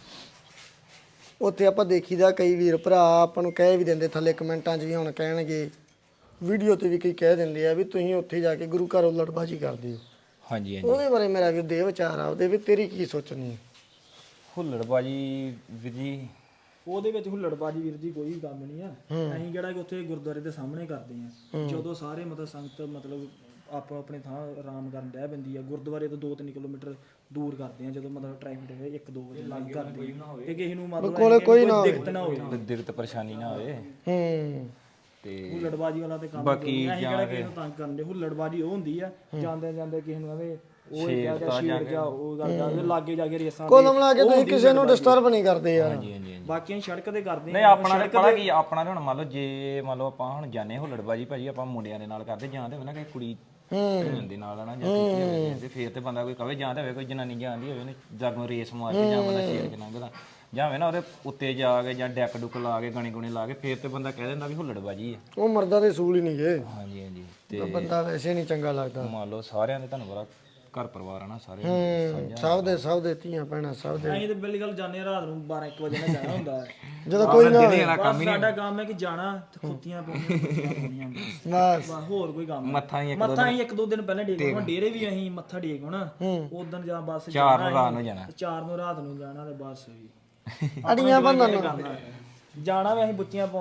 S1: ਉੱਥੇ ਆਪਾਂ ਦੇਖੀਦਾ ਕਈ ਵੀਰ ਭਰਾ ਆਪਾਂ ਨੂੰ ਕਹਿ ਵੀ ਦਿੰਦੇ ਥੱਲੇ ਕਮੈਂਟਾਂ 'ਚ ਵੀ ਹੁਣ ਕਹਿਣਗੇ ਵੀਡੀਓ ਤੇ ਵੀ ਕਈ ਕਹਿ ਦਿੰਦੇ ਆ ਵੀ ਤੁਸੀਂ ਉੱਥੇ ਜਾ ਕੇ ਗੁਰੂ ਘਰ ਉਲਟਬਾਜੀ ਕਰਦੇ ਹੋ
S2: ਹਾਂਜੀ
S1: ਉਹਦੇ ਬਾਰੇ ਮੇਰਾ ਵੀਰ ਦੇ ਵਿਚਾਰ ਆ ਉਹਦੇ ਵੀ ਤੇਰੀ ਕੀ ਸੋਚਣੀ ਹੈ
S2: ਹੁੱਲੜਬਾਜੀ ਵੀਰ ਜੀ
S3: ਉਹਦੇ ਵਿੱਚ ਹੁੱਲੜਬਾਜੀ ਵੀਰ ਜੀ ਕੋਈ ਕੰਮ ਨਹੀਂ ਆ ਅਸੀਂ ਕਿਹੜਾ ਕਿ ਉੱਥੇ ਗੁਰਦੁਆਰੇ ਦੇ ਸਾਹਮਣੇ ਕਰਦੇ ਆ ਜਦੋਂ ਸਾਰੇ ਮਤਲਬ ਸੰਗਤ ਮਤਲਬ ਆਪੋ ਆਪਣੇ ਥਾਂ ਆਰਾਮ ਕਰਨ ਰਹਿ ਪੈਂਦੀ ਆ ਗੁਰਦੁਆਰੇ ਤੋਂ 2-3 ਕਿਲੋਮੀਟਰ ਦੂਰ ਕਰਦੇ ਆ ਜਦੋਂ ਮਤਲਬ ਟ੍ਰੈਫਿਕ 1-2 ਵਜੇ ਲੱਗ ਕਰਦੇ ਤੇ ਕਿਸੇ ਨੂੰ ਮਤਲਬ ਕੋਈ ਦਿੱਕਤ ਨਾ ਹੋਵੇ
S2: ਦਿੱਕਤ ਪਰੇਸ਼ਾਨੀ ਨਾ ਹੋਵੇ ਤੇ
S3: ਹੁੱਲੜਬਾਜੀ ਵਾਲਾ ਤੇ ਕੰਮ
S2: ਬਾਕੀ
S3: ਅਸੀਂ ਕਿਹੜਾ ਕਿਸੇ ਨੂੰ ਤੰਗ ਕਰਨ ਦੇ ਹੁੱਲੜਬਾਜੀ ਉਹ ਹੁੰਦੀ ਆ ਜਾਂਦੇ ਕਿਸੇ ਨੂੰ ਆਵੇ ਉਹ ਸ਼ੇਰ ਜਾ ਉਹ ਗੱਲ ਲਾਗੇ ਜਾ ਕੇ ਰੇਸਾਂ
S1: ਕੋਲ ਮਿਲਾ ਕੇ ਤੁਸੀਂ ਕਿਸੇ ਨੂੰ ਡਿਸਟਰਬ ਨਹੀਂ ਕਰਦੇ ਯਾਰ
S3: ਬਾਕੀ ਸੜਕ ਤੇ ਕਰਦੇ
S2: ਨਹੀਂ ਆਪਣਾ ਤੇ ਪਤਾ ਕੀ ਆਪਣਾ ਤੇ ਹੁਣ ਮੰਨ ਲਓ ਜੇ ਮੰਨ ਲਓ ਆਪਾਂ ਹੁਣ ਜਾਣੇ ਹੁੱਲੜਬਾਜੀ ਭਾਜੀ ਆਪਾਂ ਮੁੰਡਿਆਂ ਦੇ ਨਾਲ ਕਰਦੇ ਜਾਂ ਤੇ ਹੋਵੇ ਨਾ ਕਿ ਕੁੜੀ ਭੈਣ ਦੇ ਨਾਲ ਨਾ ਜਾਂ ਤੇ ਫੇਰ ਤੇ ਬੰਦਾ ਕੋਈ ਕਵੇ ਜਾਂ ਤੇ ਹੋਵੇ ਕੋਈ ਜਨਾਨੀ ਜਾਂਦੀ ਹੋਵੇ ਨੇ ਜਾਗੋਂ ਰੇਸ ਮਾਰ ਕੇ ਜਾਂ ਬੰਦਾ ਸ਼ੇਰ ਕੇ ਲੰਘਦਾ ਜਾਂ ਹੋਵੇ ਨਾ ਉਹਦੇ ਉੱਤੇ ਜਾ ਕੇ ਜਾਂ ਡੈਕ ਡੁੱਕ ਲਾ ਕੇ ਗਾਣੇ ਗੁਣੇ ਲਾ ਕੇ ਫੇਰ ਤੇ ਬੰਦਾ ਕਹਿ ਦਿੰਦਾ ਵੀ ਹੁੱਲੜਬਾਜੀ ਹੈ
S1: ਉਹ ਮਰਦਾਂ ਦੇ ਸੂਲ ਹੀ ਨਹੀਂ ਗਏ
S2: ਹਾਂਜੀ ਤੇ
S1: ਬੰਦਾ ਵੈਸੇ ਨਹੀਂ ਚੰਗਾ ਲੱਗਦਾ
S2: ਮੰਨ ਲਓ ਸਾਰਿਆਂ ਦੇ ਤੁਹਾਨੂੰ ਪਤਾ ਘਰ ਪਰਿਵਾਰ ਆ ਨਾ ਸਾਰੇ
S1: ਸਭ ਦੇ ਧੀਆਂ ਭੈਣਾਂ ਸਭ ਦੇ
S3: ਅਸੀਂ ਤੇ ਬਿਲਕੁਲ ਗੱਲ ਜਾਂਦੇ ਰਾਤ ਨੂੰ 12-1 ਵਜੇ ਨਾਲ ਜਾਣਾ ਹੁੰਦਾ ਹੈ
S1: ਜਦੋਂ ਕੋਈ ਨਾ
S3: ਸਾਡਾ ਕੰਮ ਹੈ ਕਿ ਜਾਣਾ ਤੇ ਖੁੱਤੀਆਂ ਪਾਉਣੀਆਂ
S1: ਬਸ
S3: ਹੋਰ ਕੋਈ ਕੰਮ
S2: ਮੱਥਾ ਹੀ
S3: ਮੱਥਾ ਹੀ 1-2 ਦਿਨ ਪਹਿਲਾਂ ਟੇਕ ਹੁਣ ਡੇਰੇ ਵੀ ਅਸੀਂ ਮੱਥਾ ਟੇਕ ਹੋਣਾ ਉਦੋਂ ਜਾਂ ਬਸ
S2: 4 ਨੂੰ ਰਾਤ ਨੂੰ ਜਾਣਾ
S3: 4 ਨੂੰ ਰਾਤ ਨੂੰ ਜਾਣਾ ਤੇ ਬਸ
S1: ਅੜੀਆਂ ਬੰਦਨ
S3: ਜਾਣਾ ਵੀ ਅਸੀਂ ਬੁੱਚੀਆਂ ਪਾਉਂਦੇ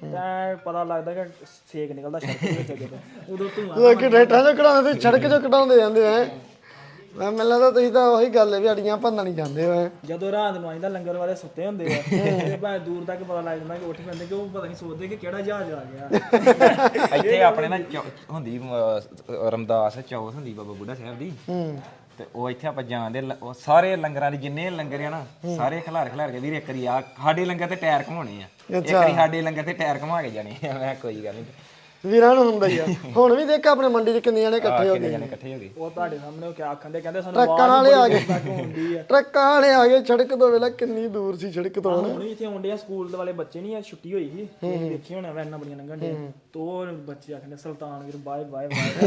S3: ਤਾਂ ਪਤਾ ਲੱਗਦਾ ਕਿ ਸੇਕ ਨਿਕਲਦਾ ਸੜਕ ਦੇ ਵਿੱਚ ਜਦੋਂ ਉਦੋਂ ਧੂਆਂ
S1: ਲੋਕੀ ਟਰੈਕਟਰਾਂ ਚੋਂ ਕਢਾਉਂਦੇ ਤੇ ਸੜਕ ਚੋਂ ਕਢਾਉਂਦੇ ਜਾਂਦੇ ਐ ਮੈਂ ਮੈਨੂੰ ਲੱਗਦਾ ਤੁਸੀਂ ਤਾਂ ਉਹੀ ਗੱਲ ਹੈ ਵੀ ਅੜੀਆਂ ਭੰਨਣ ਹੀ ਜਾਂਦੇ ਹੋ
S3: ਜਦੋਂ ਰਾਤ ਨੂੰ ਆਈਦਾ ਲੰਗਰ ਵਾਲੇ ਸੁੱਤੇ ਹੁੰਦੇ ਆ ਤੇ ਭਾਵੇਂ ਦੂਰ ਤੱਕ ਪਤਾ ਲੱਗ ਜਾਂਦਾ ਕਿ ਉੱਠ ਪੈਂਦੇ ਕਿ ਉਹ ਪਤਾ ਨਹੀਂ ਸੋਚਦੇ ਕਿ ਕਿਹੜਾ ਜਹਾਜ਼ ਆ ਗਿਆ
S2: ਇੱਥੇ ਆਪਣੇ ਨਾ ਹੁੰਦੀ ਰਮਦਾਸ ਚੌਥ ਹੁੰਦੀ ਬਾਬਾ ਬੁੱਢਾ ਸਾਹਿਬ ਦੀ ਤੇ ਉਹ ਇੱਥੇ ਆਪਾਂ ਜਾਂਦੇ ਉਹ ਸਾਰੇ ਲੰਗਰਾਂ ਦੇ ਜਿੰਨੇ ਲੰਗਰ ਆ ਨਾ ਸਾਰੇ ਖਿਲਾਰ ਕੇ ਵੀਰ ਇੱਕ ਵਾਰੀ ਆ ਸਾਡੇ ਲੰਗਰ ਤੇ ਟਾਇਰ ਘਮਾਉਣੇ ਆ ਇੱਕ ਵਾਰੀ ਸਾਡੇ ਲੰਗਰ ਤੇ ਟਾਇਰ ਘਮਾ ਕੇ ਜਾਣੇ ਆ ਮੈਂ ਕੋਈ ਗੱਲ ਨਹੀਂ
S1: ਵੀਰਾਂ ਨੂੰ ਹੁੰਦਾ ਹੀ ਆ ਹੁਣ ਵੀ ਦੇਖ ਆਪਣੇ ਮੰਡੀ 'ਚ ਕਿੰਨੇ ਜਣੇ ਇਕੱਠੇ ਹੋ ਗਏ
S2: ਇਕੱਠੇ ਹੋ ਗਏ
S3: ਉਹ ਤੁਹਾਡੇ ਸਾਹਮਣੇ ਉਹ ਕਿਆ ਆਖਣ ਦੇ ਕਹਿੰਦੇ ਸਾਨੂੰ
S1: ਟਰੱਕਾਂ ਵਾਲੇ ਆ ਗਏ
S3: ਤੱਕ ਹੁੰਦੀ ਆ
S1: ਟਰੱਕਾਂ ਵਾਲੇ ਆ ਗਏ ਸੜਕ ਤੋਂ ਵੇਲਾ ਕਿੰਨੀ ਦੂਰ ਸੀ ਸੜਕ ਤੋਂ
S3: ਹੁਣ ਵੀ ਇੱਥੇ ਆਉਂਦੇ ਆ ਸਕੂਲ ਦੇ ਵਾਲੇ ਬੱਚੇ ਨਹੀਂ ਆ ਛੁੱਟੀ ਹੋਈ ਸੀ ਤੁਸੀਂ ਦੇਖੇ ਹੋਣਾ ਵੈਨਾਂ ਬੜੀਆਂ ਲੰਘਣ ਡੇ ਤੋ ਉਹ ਬੱਚੇ ਆਖਦੇ ਸੁਲਤਾਨ ਵੀਰ ਬਾਏ ਬਾਏ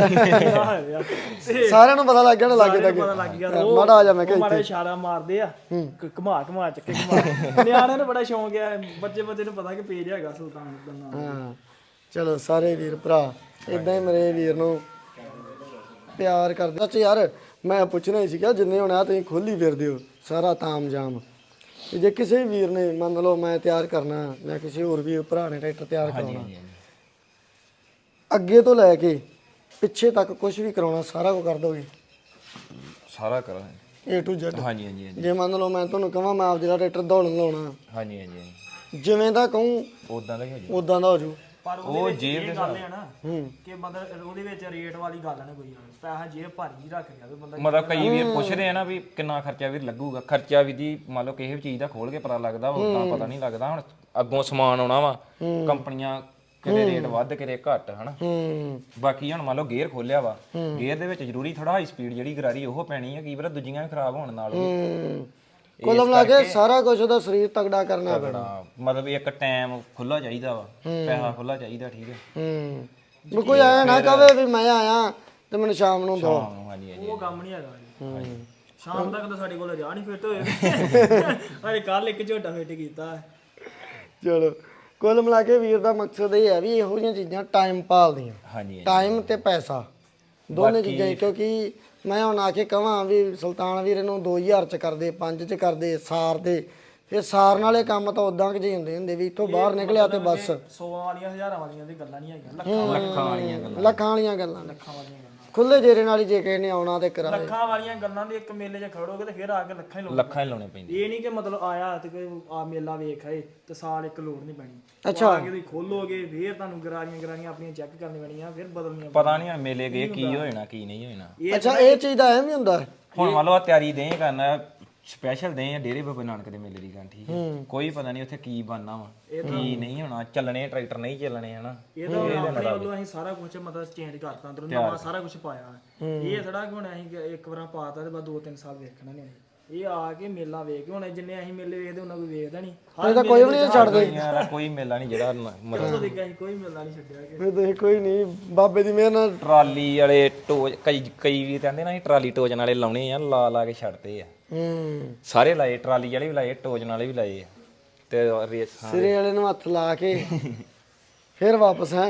S3: ਬਾਏ
S1: ਸਾਰਿਆਂ ਨੂੰ ਪਤਾ ਲੱਗ ਗਿਆ ਨਾ ਲੱਗੇ ਤੱਕ
S3: ਪਤਾ ਲੱਗ ਗਿਆ
S1: ਮਾੜਾ ਆ ਜਾ ਮੈਂ
S3: ਉਹ ਮਾੜਾ ਇਸ਼ਾਰਾ ਮਾਰਦੇ ਆ ਘਮਾ ਚੱਕੇ ਘਮਾ ਨਿਆਣਿਆਂ ਨੂੰ ਬੜਾ ਸ਼ੌਂਕ ਆ ਬੱਚੇ ਨੂੰ ਪਤਾ ਕਿ ਪੇਜ ਹੈਗਾ ਸੁਲਤਾਨ ਦਾ ਨਾਮ
S1: ਹਾਂ ਚਲੋ ਸਾਰੇ ਵੀਰ ਭਰਾ ਇਦਾਂ ਹੀ ਮੇਰੇ ਵੀਰ ਨੂੰ ਪਿਆਰ ਕਰਦੇ ਅੱਛਾ ਯਾਰ ਮੈਂ ਪੁੱਛਣਾ ਹੀ ਸੀਗਾ ਜਿੰਨੇ ਹੁਣ ਆ ਤੁਸੀਂ ਖੋਲੀ ਫਿਰਦੇ ਹੋ ਸਾਰਾ ਤਾਮਜਾਮ ਤੇ ਜੇ ਕਿਸੇ ਵੀਰ ਨੇ ਮੰਨ ਲਓ ਮੈਂ ਤਿਆਰ ਕਰਨਾ ਜਾਂ ਕਿਸੇ ਹੋਰ ਵੀਰ ਭਰਾ ਨੇ ਟਰੈਕਟਰ ਤਿਆਰ ਕਰਾਉਣਾ ਅੱਗੇ ਤੋਂ ਲੈ ਕੇ ਪਿੱਛੇ ਤੱਕ ਕੁਝ ਵੀ ਕਰਾਉਣਾ ਸਾਰਾ ਕੁਝ ਕਰ ਦੋਗੇ
S2: ਸਾਰਾ ਕਰਾਂਗੇ
S1: A to Z
S2: ਹਾਂਜੀ ਹਾਂਜੀ
S1: ਜੇ ਮੰਨ ਲਓ ਮੈਂ ਤੁਹਾਨੂੰ ਕਹਾਂ ਮੈਂ ਆਪ ਜਿਹੜਾ ਟਰੈਕਟਰ ਦੌੜਨ ਲਾਉਣਾ
S2: ਹਾਂਜੀ ਹਾਂਜੀ
S1: ਜਿਵੇਂ ਦਾ ਕਹੂੰ
S2: ਉਦਾਂ ਦਾ ਹੀ ਹੋ ਜੂ
S1: ਉਦਾਂ ਦਾ ਹੋ ਜੂ
S3: ਪਰ ਉਹ ਜੇਬ ਦੇ ਗੱਲ ਹੈ ਨਾ ਕਿ ਮਤਲਬ ਉਹਦੇ ਵਿੱਚ ਰੇਟ ਵਾਲੀ ਗੱਲ ਨਾ ਕੋਈ ਪੈਸਾ ਜੇਬ ਭਾਰੀ ਰੱਖ ਗਿਆ ਵੀ ਬੰਦਾ
S2: ਮਤਲਬ ਕਈ ਵੀਰ ਪੁੱਛਦੇ ਆ ਨਾ ਵੀ ਕਿੰਨਾ ਖਰਚਾ ਵੀਰ ਲੱਗੂਗਾ ਖਰਚਾ ਵੀ ਦੀ ਮੰਨ ਲਓ ਕਿਸੇ ਵੀ ਚੀਜ਼ ਦਾ ਖੋਲ ਕੇ ਪਤਾ ਲੱਗਦਾ ਉਦਾਂ ਪਤਾ ਨਹੀਂ ਲੱਗਦਾ ਹੁਣ ਅੱਗੋਂ ਸਮਾਨ ਆਉਣਾ ਵਾ ਕੰਪਨੀਆਂ ਕਿਤੇ ਰੇਟ ਵੱਧ ਕਿਤੇ ਘੱਟ ਹਨਾ ਬਾਕੀ ਹੁਣ ਮੰਨ ਲਓ ਗੇਅਰ ਖੋਲਿਆ ਵਾ ਗੇਅਰ ਦੇ ਵਿੱਚ ਜ਼ਰੂਰੀ ਥੋੜਾ ਹਾਈ ਸਪੀਡ ਜਿਹੜੀ ਗਰਾਰੀ ਉਹ ਪੈਣੀ ਹੈ ਕੀ ਪਤਾ ਦੂਜੀਆਂ ਵੀ ਖਰਾਬ ਹੋਣ ਨਾਲ
S1: ਕੁੱਲ ਮਿਲਾ ਕੇ ਸਾਰਾ ਕੁਝ ਉਹਦਾ ਸਰੀਰ ਤਗੜਾ ਕਰਨਾ ਪੈਣਾ
S2: ਮਤਲਬ ਇੱਕ ਟਾਈਮ ਖੁੱਲਾ ਚਾਹੀਦਾ ਵਾ ਪੈਸਾ ਖੁੱਲਾ ਚਾਹੀਦਾ ਠੀਕ ਹੈ
S1: ਵੀ ਕੋਈ ਆਇਆ ਨਾ ਕਵੇ ਵੀ ਮੈਂ ਆਇਆ ਤੇ ਮੈਨੂੰ ਸ਼ਾਮ ਨੂੰ ਦੋ
S2: ਹਾਂਜੀ ਹਾਂਜੀ
S3: ਉਹ ਕੰਮ ਨਹੀਂ ਹੈਗਾ ਸ਼ਾਮ ਤੱਕ ਤਾਂ ਸਾਡੇ ਕੋਲ ਜਾ ਨਹੀਂ ਫਿੱਟ ਹੋਏ ਅਰੇ ਕੱਲ ਇੱਕ ਝੋਟਾ ਫਿੱਟ ਕੀਤਾ
S1: ਚਲੋ ਕੁੱਲ ਮਿਲਾ ਕੇ ਵੀਰ ਦਾ ਮਕਸਦ ਇਹ ਹੈ ਵੀ ਇਹੋ ਜਿਹੀਆਂ ਚੀਜ਼ਾਂ ਟਾਈਮ ਭਾਲਦੀਆਂ
S2: ਹਾਂਜੀ
S1: ਟਾਈਮ ਤੇ ਪੈਸਾ ਦੋਨੇ ਚੀਜ਼ਾਂ ਹੀ, ਕਿਉਂਕਿ ਮੈਂ ਹੁਣ ਆ ਕੇ ਕਹਾਂ ਵੀ ਸੁਲਤਾਨ ਵੀਰ ਇਹਨੂੰ 2000 ਚ ਕਰਦੇ 5 ਚ ਕਰਦੇ ਸਾਰ ਦੇ ਫਿਰ ਸਾਰਨ ਵਾਲੇ ਕੰਮ ਤਾਂ ਉਦਾਂ ਕਿ ਜਿਹੇ ਹੁੰਦੇ ਵੀ ਇੱਥੋਂ ਬਾਹਰ ਨਿਕਲਿਆ ਤੇ ਬਸ
S3: 100 ਵਾਲੀਆਂ ਹਜ਼ਾਰਾਂ ਵਾਲੀਆਂ ਦੀ ਗੱਲਾਂ ਨਹੀਂ ਹੈਗੀਆਂ
S2: ਲੱਖਾਂ ਵਾਲੀਆਂ ਗੱਲਾਂ
S1: ਲੱਖਾਂ ਵਾਲੀਆਂ ਗੱਲਾਂ
S3: ਲੱਖਾਂ ਵਾਲੀਆਂ ਗੱਲਾਂ
S1: ਖੁੱਲੇ ਜੇਰੇ ਨਾਲ ਹੀ ਜੇ ਕਿਸੇ ਨੇ ਆਉਣਾ ਤੇ ਕਰਾਏ
S3: ਲੱਖਾਂ ਵਾਲੀਆਂ ਗੱਲਾਂ ਦੇ ਇੱਕ ਮੇਲੇ 'ਚ ਖੜੋਗੇ ਤੇ ਫਿਰ ਆ ਕੇ ਲੱਖਾਂ ਹੀ ਲੋੜ
S2: ਲੱਖਾਂ ਹੀ ਲਾਉਣੇ ਪੈਂਦੇ
S3: ਇਹ ਨਹੀਂ ਕਿ ਮਤਲਬ ਆਇਆ ਤੇ ਕੋਈ ਆ ਮੇਲਾ ਵੇਖ ਆਏ ਤੇ ਸਾਲ ਇੱਕ ਲੋੜ ਨਹੀਂ ਪੈਣੀ
S1: ਅੱਛਾ
S3: ਆ ਕੇ ਤੁਸੀਂ ਖੋਲੋਗੇ ਫਿਰ ਤੁਹਾਨੂੰ ਗਰਾਰੀਆਂ ਆਪਣੀਆਂ ਚੈੱਕ ਕਰਨੀ ਪੈਣੀਆਂ ਫਿਰ ਬਦਲਣੀਆਂ
S2: ਪਤਾ ਨਹੀਂ ਮੇਲੇ ਗਏ ਕੀ ਹੋ ਜਾਣਾ ਕੀ ਨਹੀਂ ਹੋ ਜਾਣਾ
S1: ਅੱਛਾ ਇਹ ਚੀਜ਼ ਦਾ ਐਵੇਂ ਹੁੰਦਾ
S2: ਹੁਣ ਮੰਨ ਲਓ ਆ ਤਿਆਰੀ ਦੇ ਕਰਨਾ ਸਪੈਸ਼ਲ ਦੇ ਆ ਡੇਰੇ ਬਾਬਾ ਨਾਨਕ ਦੇ ਮੇਲੇ ਦੀ ਗੱਲ ਠੀਕ ਹੈ ਕੋਈ ਪਤਾ ਨਹੀਂ ਉੱਥੇ ਕੀ ਬਣਨਾ ਵਾ ਕੀ ਨਹੀਂ ਹੋਣਾ ਚੱਲਣੇ ਟਰੈਕਟਰ ਨਹੀਂ ਚੱਲਣੇ ਹਨਾ
S3: ਇਹ ਤਾਂ ਆਪਣੇ ਵੱਲੋਂ ਅਸੀਂ ਸਾਰਾ ਕੁਝ ਮਤਲਬ ਚੇਂਜ ਕਰਤਾ ਅੰਦਰੋਂ ਨਵਾਂ ਸਾਰਾ ਕੁਝ ਪਾਇਆ ਇਹ ਥੋੜਾ ਕਿ ਹੁਣ ਅਸੀਂ ਇੱਕ ਵਾਰ ਪਾਤਾ ਤੇ ਬਾਅਦ 2-3 ਸਾਲ ਵੇਖਣਾ ਨਹੀਂ ਇਹ ਆ ਕੇ ਮੇਲਾ ਵੇਖ ਕੇ ਹੁਣ ਜਿੰਨੇ ਅਸੀਂ ਮੇਲੇ ਵੇਖਦੇ ਉਹਨਾਂ ਕੋਈ ਵੇਖਦਾ ਨਹੀਂ
S1: ਇਹ ਤਾਂ ਕੋਈ ਵੀ ਨਹੀਂ ਛੱਡਦੇ
S2: ਯਾਰ ਕੋਈ ਮੇਲਾ ਨਹੀਂ ਜਿਹੜਾ ਮਤਲਬ
S3: ਅਸੀਂ ਕੋਈ ਮੇਲਾ ਨਹੀਂ ਛੱਡਿਆ ਕਿ
S1: ਫਿਰ ਤੁਸੀਂ ਕੋਈ ਨਹੀਂ ਬਾਬੇ ਦੀ ਮਿਹਰ ਨਾਲ
S2: ਟਰਾਲੀ ਵਾਲੇ ਟੋਜ ਕਈ ਵੀ ਕਹਿੰਦੇ ਨਾ ਅਸੀਂ ਟਰਾਲੀ ਟੋਜਨ ਵਾਲੇ ਲਾਉਣੇ ਆ ਲਾ ਕੇ ਛੱਡਦੇ ਆ ਸਾਰੇ ਲਾਏ ਟਰਾਲੀ ਵਾਲੇ ਵੀ ਲਾਏ ਟੋਜਨ ਵਾਲੇ ਵੀ ਲਾਏ ਆ ਤੇ ਰੇਸ
S1: ਸਿਰੇ ਵਾਲੇ ਨੂੰ ਹੱਥ ਲਾ ਕੇ ਫਿਰ ਵਾਪਸ ਹੈ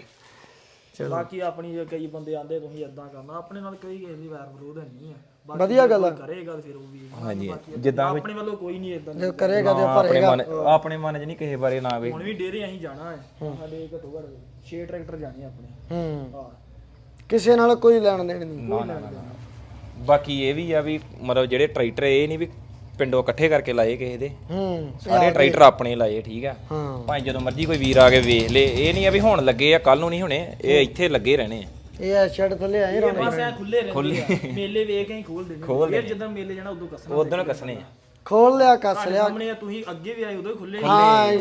S3: ਬਾਕੀ ਆਪਣੀ ਜੇ ਕਈ ਬੰਦੇ ਆਂਦੇ ਤੁਸੀਂ ਇਦਾਂ ਕਰਨਾ ਆਪਣੇ ਨਾਲ ਕੋਈ ਕਿਸੇ ਦੀ ਵੈਰ ਵਿਰੋਧ ਨਹੀਂ ਆ
S1: ਵਧੀਆ ਗੱਲ ਆ
S3: ਕਰੇਗਾ ਫਿਰ ਉਹ ਵੀ
S2: ਹਾਂਜੀ ਜਿੱਦਾਂ
S3: ਆਪਣੇ ਵੱਲੋਂ ਕੋਈ ਨਹੀਂ ਇਦਾਂ
S1: ਜੇ ਕਰੇਗਾ ਤੇ
S2: ਆਪਣੇ ਮਨ 'ਚ ਨਹੀਂ ਕਿਸੇ ਬਾਰੇ ਨਾ ਵੇ
S3: ਹੁਣ ਵੀ ਡੇਰੇ ਅਸੀਂ ਜਾਣਾ ਹੈ ਸਾਡੇ ਘੱਟੋ ਘੱਟ 6 ਟਰੈਕਟਰ ਜਾਣੇ ਆਪਣੇ ਹਾਂ
S1: ਕਿਸੇ ਨਾਲ ਕੋਈ ਲੈਣ ਦੇਣ ਨਹੀਂ
S2: ਨਾ ਬਾਕੀ ਇਹ ਵੀ ਆ ਵੀ ਮਤਲਬ ਜਿਹੜੇ ਟਰੈਕਟਰ ਇਹ ਨਹੀਂ ਵੀ ਪਿੰਡੋਂ ਇਕੱਠੇ ਕਰਕੇ ਲਾਏ ਕਿਸੇ ਦੇ ਸਾਰੇ ਟਰੈਕਟਰ ਆਪਣੇ ਲਾਏ ਠੀਕ ਆ ਭਾਵੇਂ ਜਦੋਂ ਮਰਜ਼ੀ ਕੋਈ ਵੀਰ ਆ ਕੇ ਵੇਖ ਲੇ ਇਹ ਨਹੀਂ ਆ ਵੀ ਹੁਣ ਲੱਗੇ ਆ ਕੱਲ ਨੂੰ ਨਹੀਂ ਹੋਣੇ ਇਹ ਇੱਥੇ ਲੱਗੇ ਰਹਿਣੇ ਆ
S1: ਇਹ ਐ ਛੱਡ ਥੱਲੇ ਆਏ ਰੋਣੇ
S3: ਬਸ ਐ ਖੁੱਲੇ ਰਹਿੰਦੇ ਆ ਮੇਲੇ ਵੇਖ ਕੇ ਹੀ ਖੋਲ ਦਿੰਦੇ ਫਿਰ ਜਦੋਂ ਮੇਲੇ ਜਾਣਾ ਉਦੋਂ ਕੱਸਣਾ
S2: ਉਦੋਂ ਕੱਸਣੇ ਆ
S1: ਖੋਲ ਲਿਆ ਕੱਸ ਲਿਆ
S3: ਸਾਹਮਣੇ ਤੁਸੀਂ ਅੱਗੇ ਵੀ ਆਏ ਉਦੋਂ ਹੀ ਖੁੱਲੇ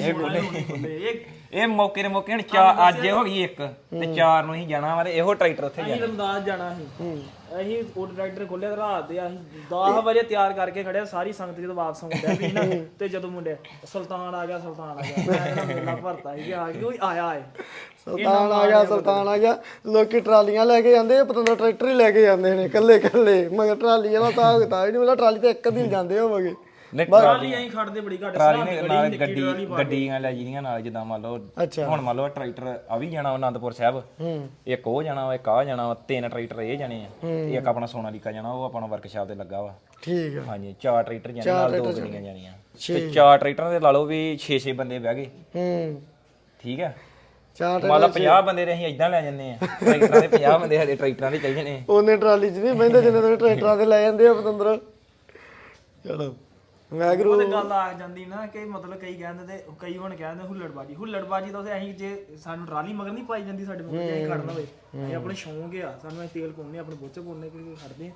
S2: ਇਹ ਮੌਕੇ ਦੇ ਮੌਕੇ ਹੁਣ ਅੱਜ ਹੋ ਗਈ ਇੱਕ ਤੇ 4 ਨੂੰ ਹੀ ਜਾਣਾ ਵਾ ਇਹੋ ਟਰੈਕਟਰ ਉੱਥੇ
S3: ਅਸੀਂ ਰਮਦਾਸ ਜਾਣਾ ਸੀ ਅਸੀਂ ਉਹ ਟਰੈਕਟਰ ਖੋਲਿਆ ਰਾਤ ਦੇ ਅਸੀਂ 10 ਵਜੇ ਤਿਆਰ ਕਰਕੇ ਖੜਿਆ ਸਾਰੀ ਸੰਗਤ ਜਦੋਂ ਵਾਪਸ ਆਉਂਦਾ ਵੀ ਨਾ ਤੇ ਜਦੋਂ ਮੁੰਡੇ ਸੁਲਤਾਨ ਆ ਗਿਆ ਮੈਂ ਮੇਲਾ ਭਰਤਾ ਸੀ ਆ ਗਿਆ ਕੋਈ ਆਇਆ ਏ
S1: ਸੁਲਤਾਨ ਆ ਗਿਆ ਲੋਕੀ ਟਰਾਲੀਆਂ ਲੈ ਕੇ ਜਾਂਦੇ ਪਤੰਦਰ ਟਰੈਕਟਰ ਹੀ ਲੈ ਕੇ ਜਾਂਦੇ ਨੇ ਕੱਲੇ ਮਗਰ ਟਰਾਲੀ ਵਾਲਾ ਤਾਂ ਹੀ ਨਹੀਂ ਮਿਲਦਾ ਟਰਾਲੀ ਤੇ ਇੱਕ ਦਿਨ ਜਾਂਦੇ ਹੋਵਗੇ
S3: ਟਰਾਲੀ ਅਸੀਂ ਖੜਦੇ ਬੜੀ ਘੱਟ
S2: ਨਾਲ ਗੱਡੀਆਂ ਲੈ ਜਿਹੜੀਆਂ ਨਾਲ ਜਿੱਦਾਂ ਮੰਨ ਲਓ ਹੁਣ ਮੰਨ ਲਓ ਟਰੈਕਟਰ ਆ ਵੀ ਜਾਣਾ ਅਨੰਦਪੁਰ ਸਾਹਿਬ ਇੱਕ ਉਹ ਜਾਣਾ ਵਾ ਇੱਕ ਆ ਜਾਣਾ ਵਾ 3 ਟਰੈਕਟਰ ਇਹ ਜਾਣੇ ਆ ਇੱਕ ਆਪਣਾ ਸੋਨਾਲੀਕਾ ਜਾਣਾ ਉਹ ਆਪਣਾ ਵਰਕਸ਼ਾਪ ਤੇ ਲੱਗਾ ਵਾ
S1: ਠੀਕ ਆ
S2: ਹਾਂਜੀ 4 ਟਰੈਕਟਰ ਜਾਣੇ ਨਾਲ 2 ਗੱਡੀਆਂ ਜਾਣੀਆਂ ਤੇ 4 ਟਰੈਕਟਰਾਂ ਦੇ ਲਾ ਲਓ ਵੀ 6 ਬੰਦੇ ਬਹਿ ਗਏ ਠੀਕ ਆ
S1: ਚਾਰ
S2: ਮੰਨ ਲਾ 50 ਬੰਦੇ ਨੇ ਅਸੀਂ ਇਦਾਂ ਲੈ ਜੰਨੇ ਆ ਟਰੈਕਟਰਾਂ ਦੇ 50 ਬੰਦੇ ਸਾਡੇ ਟਰੈਕਟਰਾਂ ਦੇ ਚਾਹੀਦੇ ਨੇ
S1: ਉਹਨੇ ਟਰਾਲੀ 'ਚ ਨਹੀਂ ਬਹਿੰਦੇ ਜਿੰਨੇ ਤੁਸੀਂ ਟਰੈਕਟਰਾਂ ਤੇ ਲੈ ਜਾਂਦੇ ਆ ਪਤੰਦਰ। ਚਲੋ ਵੈਗਰੂ
S3: ਉਹਦੇ ਗੱਲ ਆ ਜਾਂਦੀ ਨਾ ਕਿ ਮਤਲਬ ਕਈ ਕਹਿੰਦੇ ਤੇ ਕਈ ਹੁਣ ਕਹਿੰਦੇ ਹੁੱਲੜਬਾਜੀ ਤਾਂ ਅਸੀਂ ਜੇ ਸਾਨੂੰ ਟਰਾਲੀ ਮਗਰ ਨਹੀਂ ਪਾਈ ਜਾਂਦੀ ਸਾਡੇ ਮਗਰ ਅਸੀਂ ਖੜਨਾ ਹੋਵੇ ਇਹ ਆਪਣੇ ਸ਼ੌਂਕ ਆ ਸਾਨੂੰ ਅਸੀਂ ਤੇਲ ਪਾਉਣੇ ਆਪਣੇ ਬੋਚੇ ਪਾਉਣੇ ਕਿ ਖੜਦੇ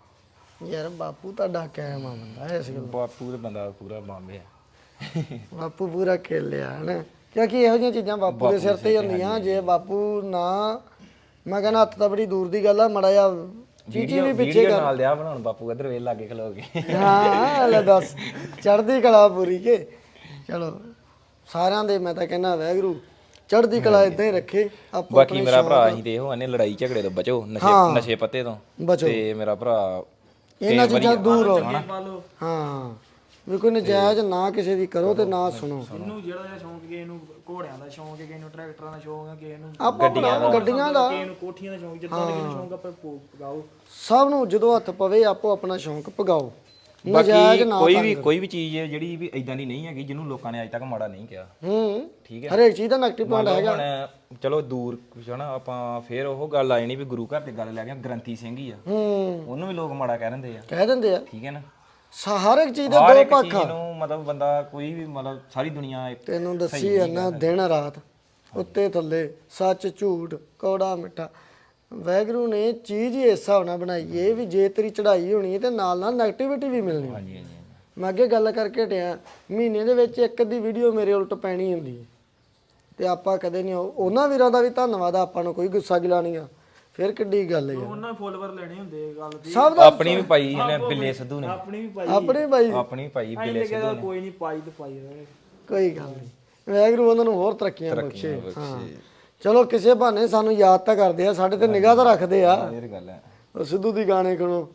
S3: ਆ
S1: ਯਾਰ ਬਾਪੂ ਤੁਹਾਡਾ ਕਾਇਮ ਆ ਬੰਦਾ ਇਸ ਗੱਲ
S2: ਬਾਪੂ ਦੇ ਬੰਦਾ ਪੂਰਾ ਬੰਬੇ ਆ
S1: ਬਾਪੂ ਪੂਰਾ ਖੇਲਿਆ ਹਨਾ ਕਿਉਂਕਿ ਇਹੋ ਜਿਹੀਆਂ ਚੀਜ਼ਾਂ ਬਾਪੂ ਦੇ ਸਿਰ ਤੇ ਹੀ ਹੁੰਦੀਆਂ ਜੇ ਬਾਪੂ ਨਾ ਮੈਂ ਕਹਿੰਦਾ ਹੱਥ ਤਾਂ ਬੜੀ ਦੂਰ ਦੀ ਗੱਲ ਆ ਮੜਾ ਜਾ ਚੀਚੀ ਵੀ ਪਿੱਛੇ
S2: ਵੀਡੀਓ ਨਾਲ ਦਿਆ ਬਣਾਉਣ ਬਾਪੂ ਇਧਰ ਵੇਲ ਲਾਗੇ ਖਲੋ ਕੇ
S1: ਹਾਂ ਲੈ ਦੱਸ ਚੜ੍ਹਦੀ ਕਲਾ ਪੂਰੀ ਕੇ ਚਲੋ ਸਾਰਿਆਂ ਦੇ ਮੈਂ ਤਾਂ ਕਹਿੰਦਾ ਵੈਗਰੂ ਚੜ੍ਹਦੀ ਕਲਾ ਇਦਾਂ ਹੀ ਰੱਖੇ ਆਪੋ
S2: ਬਾਕੀ ਮੇਰਾ ਭਰਾ ਅਸੀਂ ਤੇ ਇਹੋ ਆਨੇ ਲੜਾਈ ਝਗੜੇ ਤੋਂ ਬਚੋ ਨਸ਼ੇ ਪੱਤੇ ਤੋਂ
S1: ਬਚੋ
S2: ਤੇ ਮੇਰਾ ਭਰਾ
S1: ਇਹਨਾਂ ਚੀਜ਼ਾਂ ਦੂਰ ਹੋ
S3: ਪਾ ਲਓ
S1: ਹਾਂ ਵੀ ਕੋਈ ਨਜਾਇਜ਼ ਨਾ ਕਿਸੇ ਦੀ ਕਰੋ ਤੇ ਨਾ ਸੁਣੋ
S3: ਇਹਨੂੰ ਜਿਹੜਾ ਜਿਹਾ ਸ਼ੌਂਕ ਕਿਸੇ ਨੂੰ ਘੋੜਿਆਂ ਦਾ ਸ਼ੌਂਕ ਹੈ ਕਿਸੇ ਨੂੰ ਟਰੈਕਟਰਾਂ ਦਾ ਸ਼ੌਂਕ ਹੈ ਕਿਸੇ ਨੂੰ
S1: ਆਪੋ ਗੱਡੀਆਂ ਦਾ
S3: ਕਿਸੇ ਨੂੰ ਕੋਠੀਆਂ ਦਾ ਸ਼ੌਂਕ ਜਿੱਦਾਂ ਦਾ ਕਿਸੇ ਨੂੰ ਸ਼ੌਂਕ ਆਪਾਂ ਪਗਾਓ
S1: ਸਭ ਨੂੰ ਜਦੋਂ ਹੱਥ ਪਵੇ ਆਪੋ ਆਪਣਾ ਸ਼ੌਂਕ ਪਗਾਓ ਨਜਾਇਜ਼ ਨਾ
S2: ਕੋਈ ਵੀ ਚੀਜ਼ ਹੈ ਜਿਹੜੀ ਵੀ ਇਦਾਂ ਦੀ ਨਹੀਂ ਹੈਗੀ ਜਿਹਨੂੰ ਲੋਕਾਂ ਨੇ ਅੱਜ ਤੱਕ ਮਾੜਾ ਨਹੀਂ ਕਿਹਾ ਠੀਕ ਹੈ
S1: ਹਰੇਕ ਚੀਜ਼ ਦਾ ਨੈਗੇਟਿਵ ਪੁਆਇੰਟ ਹੈਗਾ
S2: ਹੁਣ ਚਲੋ ਦੂਰ ਹਨਾ ਆਪਾਂ ਫੇਰ ਉਹ ਗੱਲ ਆ ਜਾਣੀ ਵੀ ਗੁਰੂ ਘਰ ਦੀ ਗੱਲ ਲੈ ਕੇ ਗ੍ਰੰਥੀ ਸਿੰਘ ਹੀ ਆ ਉਹਨੂੰ ਵੀ ਲੋਕ ਮਾੜਾ ਕਹਿ ਦਿੰਦੇ ਆ
S1: ਕਹਿ ਦਿੰਦੇ ਆ
S2: ਠੀਕ ਹੈ ਨਾ
S1: ਹਰ ਇੱਕ ਚੀਜ਼ ਦੇ
S2: ਹਰ
S1: ਦੋ
S2: ਇੱਕ
S1: ਪੱਖ
S2: ਚੀਜ਼ ਨੂੰ ਮਤਲਬ ਬੰਦਾ ਕੋਈ ਵੀ ਮਤਲਬ ਸਾਰੀ ਦੁਨੀਆ
S1: ਤੈਨੂੰ ਦੱਸੀ ਆ ਨਾ ਦਿਨ ਰਾਤ ਉੱਤੇ ਥੱਲੇ ਸੱਚ ਝੂਠ ਕੌੜਾ ਮਿੱਠਾ ਵੈਗਰੂ ਨੇ ਚੀਜ਼ ਹੀ ਇਸ ਹਿਸਾਬ ਨਾਲ ਬਣਾਈ ਏ ਵੀ ਜੇ ਤੇਰੀ ਚੜ੍ਹਾਈ ਹੋਣੀ ਹੈ ਤੇ ਨਾਲ ਨਾਲ ਨੈਗੇਟਿਵਿਟੀ ਵੀ ਮਿਲਣੀ
S2: ਹਾਂਜੀ ਹਾਂਜੀ
S1: ਮੈਂ ਅੱਗੇ ਗੱਲ ਕਰਕੇ ਹਟਿਆ ਮਹੀਨੇ ਦੇ ਵਿੱਚ ਇੱਕ ਅੱਧੀ ਵੀਡੀਓ ਮੇਰੇ ਉਲਟ ਪੈਣੀ ਹੁੰਦੀ ਹੈ ਤੇ ਆਪਾਂ ਕਦੇ ਨਹੀਂ ਉਹਨਾਂ ਵੀਰਾਂ ਦਾ ਵੀ ਧੰਨਵਾਦ ਆਪਾਂ ਨੂੰ ਕੋਈ ਗੁੱਸਾ ਗਿਲਾ ਨਹੀਂ ਆ ਫਿਰ ਕਿੱਡੀ ਗੱਲ ਹੈ
S3: ਉਹਨਾਂ ਫੋਲੋਵਰ ਲੈਣੇ ਹੁੰਦੇ ਗੱਲ ਦੀ
S1: ਸਭ ਦਾ
S2: ਆਪਣੀ ਵੀ ਪਾਈ ਇਹਨੇ ਬਿੱਲੇ ਸਿੱਧੂ ਨੇ
S3: ਆਪਣੀ ਵੀ ਪਾਈ
S1: ਆਪਣੇ ਭਾਈ
S2: ਆਪਣੀ ਵੀ ਪਾਈ ਬਿੱਲੇ
S3: ਅਸੀਂ ਕਹਿੰਦਾ ਕੋਈ ਨਹੀਂ ਪਾਈ ਤੇ ਪਾਈ ਰਹੇ
S1: ਕੋਈ ਗੱਲ ਨਹੀਂ ਵੈਗਰੂ ਉਹਨਾਂ ਨੂੰ ਹੋਰ ਤਰੱਕੀਆਂ ਬਖਸ਼ੇ ਹਾਂ ਚਲੋ ਕਿਸੇ ਬਹਾਨੇ ਸਾਨੂੰ ਯਾਦ ਤਾਂ ਕਰਦੇ ਆ ਸਾਡੇ ਤੇ ਨਿਗਾਹ ਤਾਂ ਰੱਖਦੇ ਆ
S2: ਇਹ ਗੱਲ ਹੈ
S1: ਉਹ ਸਿੱਧੂ ਦੀ ਗਾਣੇ ਸੁਣੋ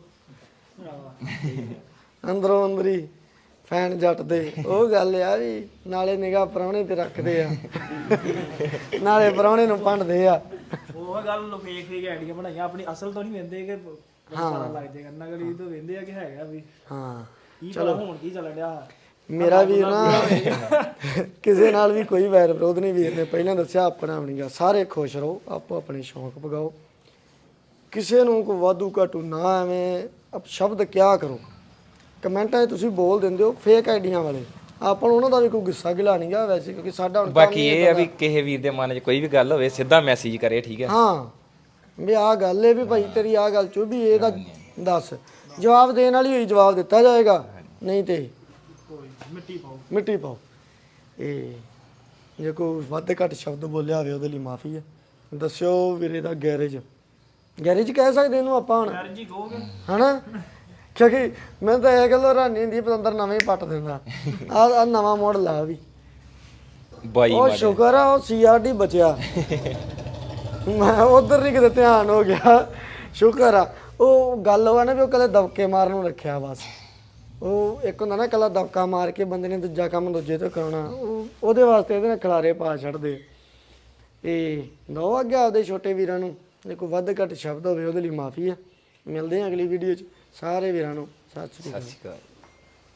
S1: ਅੰਦਰੋਂ ਅੰਦਰੀ ਫੈਨ ਜੱਟ ਦੇ ਉਹ ਗੱਲ ਆ ਵੀ ਨਾਲੇ ਨਿਗਾਹ ਪ੍ਰਾਹੁਣੇ ਤੇ ਰੱਖਦੇ ਆ ਨਾਲੇ ਪ੍ਰਾਹੁਣੇ ਨੂੰ ਭੰਡਦੇ ਆ
S3: ਉਹ ਗੱਲ ਨੂੰ ਫੇਕ ਆਈਡੀਆ ਬਣਾਈਆਂ ਆਪਣੀ ਅਸਲ ਤੋਂ ਨਹੀਂ ਵੇਂਦੇ ਕਿ ਪਤਾ ਲੱਗ ਜਾਏਗਾ ਨਕਲੀ ਤੋਂ ਵੇਂਦੇ ਆ ਕਿ ਹੈਗਾ ਵੀ
S1: ਹਾਂ
S3: ਕੀ ਪਤਾ ਹੁਣ ਕੀ ਚੱਲਣ ਡਿਆ
S1: ਮੇਰਾ ਵੀਰ ਨਾ ਕਿਸੇ ਨਾਲ ਵੀ ਕੋਈ ਵੈਰ ਵਿਰੋਧ ਨਹੀਂ ਵੀਰ ਨੇ ਪਹਿਲਾਂ ਦੱਸਿਆ ਆਪਣਾ ਬਣੀਗਾ ਸਾਰੇ ਖੁਸ਼ ਰਹੋ ਆਪੋ ਆਪਣੇ ਸ਼ੌਂਕ ਪਗਾਓ ਕਿਸੇ ਨੂੰ ਕੋਈ ਵਾਧੂ ਘਾਟੂ ਨਾ ਐਵੇਂ ਸ਼ਬਦ ਕਿਆ ਕਰੋ ਕਮੈਂਟਾਂ 'ਚ ਤੁਸੀਂ ਬੋਲ ਦਿੰਦੇ ਹੋ ਫੇਕ ਆਈਡੀਆਂ ਵਾਲੇ ਆਪਾਂ ਨੂੰ ਉਹਨਾਂ ਦਾ ਵੀ ਕੋਈ ਗੁੱਸਾ ਗਿਲਾ ਨਹੀਂ ਗਾ ਵੈਸੇ ਕਿਉਂਕਿ ਸਾਡਾ ਹੁਣ
S2: ਬਾਕੀ ਇਹ ਆ ਵੀ ਕਿਸੇ ਵੀਰ ਦੇ ਮਨ 'ਚ ਕੋਈ ਵੀ ਗੱਲ ਹੋਵੇ ਸਿੱਧਾ ਮੈਸੇਜ ਕਰੇ ਠੀਕ ਹੈ
S1: ਹਾਂ ਵੀ ਆਹ ਗੱਲ ਏ ਵੀ ਭਾਈ ਤੇਰੀ ਆਹ ਗੱਲ ਚੁੱਭੀ ਇਹਦਾ ਦੱਸ ਜਵਾਬ ਦੇਣ ਵਾਲੀ ਹੋਈ ਜਵਾਬ ਦਿੱਤਾ ਜਾਏਗਾ ਨਹੀਂ ਤੇ ਮਿੱਟੀ ਪਾਓ ਇਹ ਜੇ ਕੋਈ ਵੱਧ ਘੱਟ ਸ਼ਬਦ ਬੋਲਿਆ ਹੋਵੇ ਉਹਦੇ ਲਈ ਮਾਫੀ ਹੈ ਦੱਸਿਓ ਵੀਰੇ ਦਾ ਗੈਰੇਜ ਕਹਿ ਸਕਦੇ ਇਹਨੂੰ ਆਪਾਂ ਹੁਣ
S3: ਯਾਰ ਜੀ ਕਹੋਗੇ
S1: ਹਨਾ ਕਿਉਂਕਿ ਮੈਂ ਤਾਂ ਇਹ ਗੱਲ ਹੈਰਾਨੀ ਹੁੰਦੀ ਪਤੰਦਰ ਨਵੇਂ ਹੀ ਪੱਟ ਦਿੰਦਾ ਆ ਨਵਾਂ ਮਾਡਲ ਆ ਵੀ
S2: ਬਾਈ
S1: ਉਹ ਸ਼ੁਕਰ ਆ ਉਹ ਸੀਆਰਡੀ ਬਚਿਆ ਮੈਂ ਉਧਰ ਨਹੀਂ ਕਿਤੇ ਧਿਆਨ ਹੋ ਗਿਆ ਸ਼ੁਕਰ ਆ ਉਹ ਗੱਲ ਉਹ ਨਾ ਵੀ ਉਹ ਕਦੇ ਦਬਕੇ ਮਾਰਨ ਨੂੰ ਰੱਖਿਆ ਬਸ ਉਹ ਇੱਕ ਹੁੰਦਾ ਨਾ ਕੱਲਾ ਦਬਕਾ ਮਾਰ ਕੇ ਬੰਦੇ ਨੇ ਦੂਜਾ ਕੰਮ ਦੂਜੇ ਤੋਂ ਕਰਾਉਣਾ ਉਹਦੇ ਵਾਸਤੇ ਇਹਦੇ ਨਾਲ ਖਿਲਾਰੇ ਪਾ ਛੱਡਦੇ ਇਹ ਦੋ ਅੱਗੇ ਆਪਦੇ ਛੋਟੇ ਵੀਰਾਂ ਨੂੰ ਜੇ ਕੋਈ ਵੱਧ ਘੱਟ ਸ਼ਬਦ ਹੋਵੇ ਉਹਦੇ ਲਈ ਮਾਫੀ ਆ ਮਿਲਦੇ ਆ ਅਗਲੀ ਵੀਡੀਓ 'ਚ ਸਾਰੇ ਵੀਰਾਂ ਨੂੰ ਸਤਿ ਸ਼੍ਰੀ ਅਕਾਲ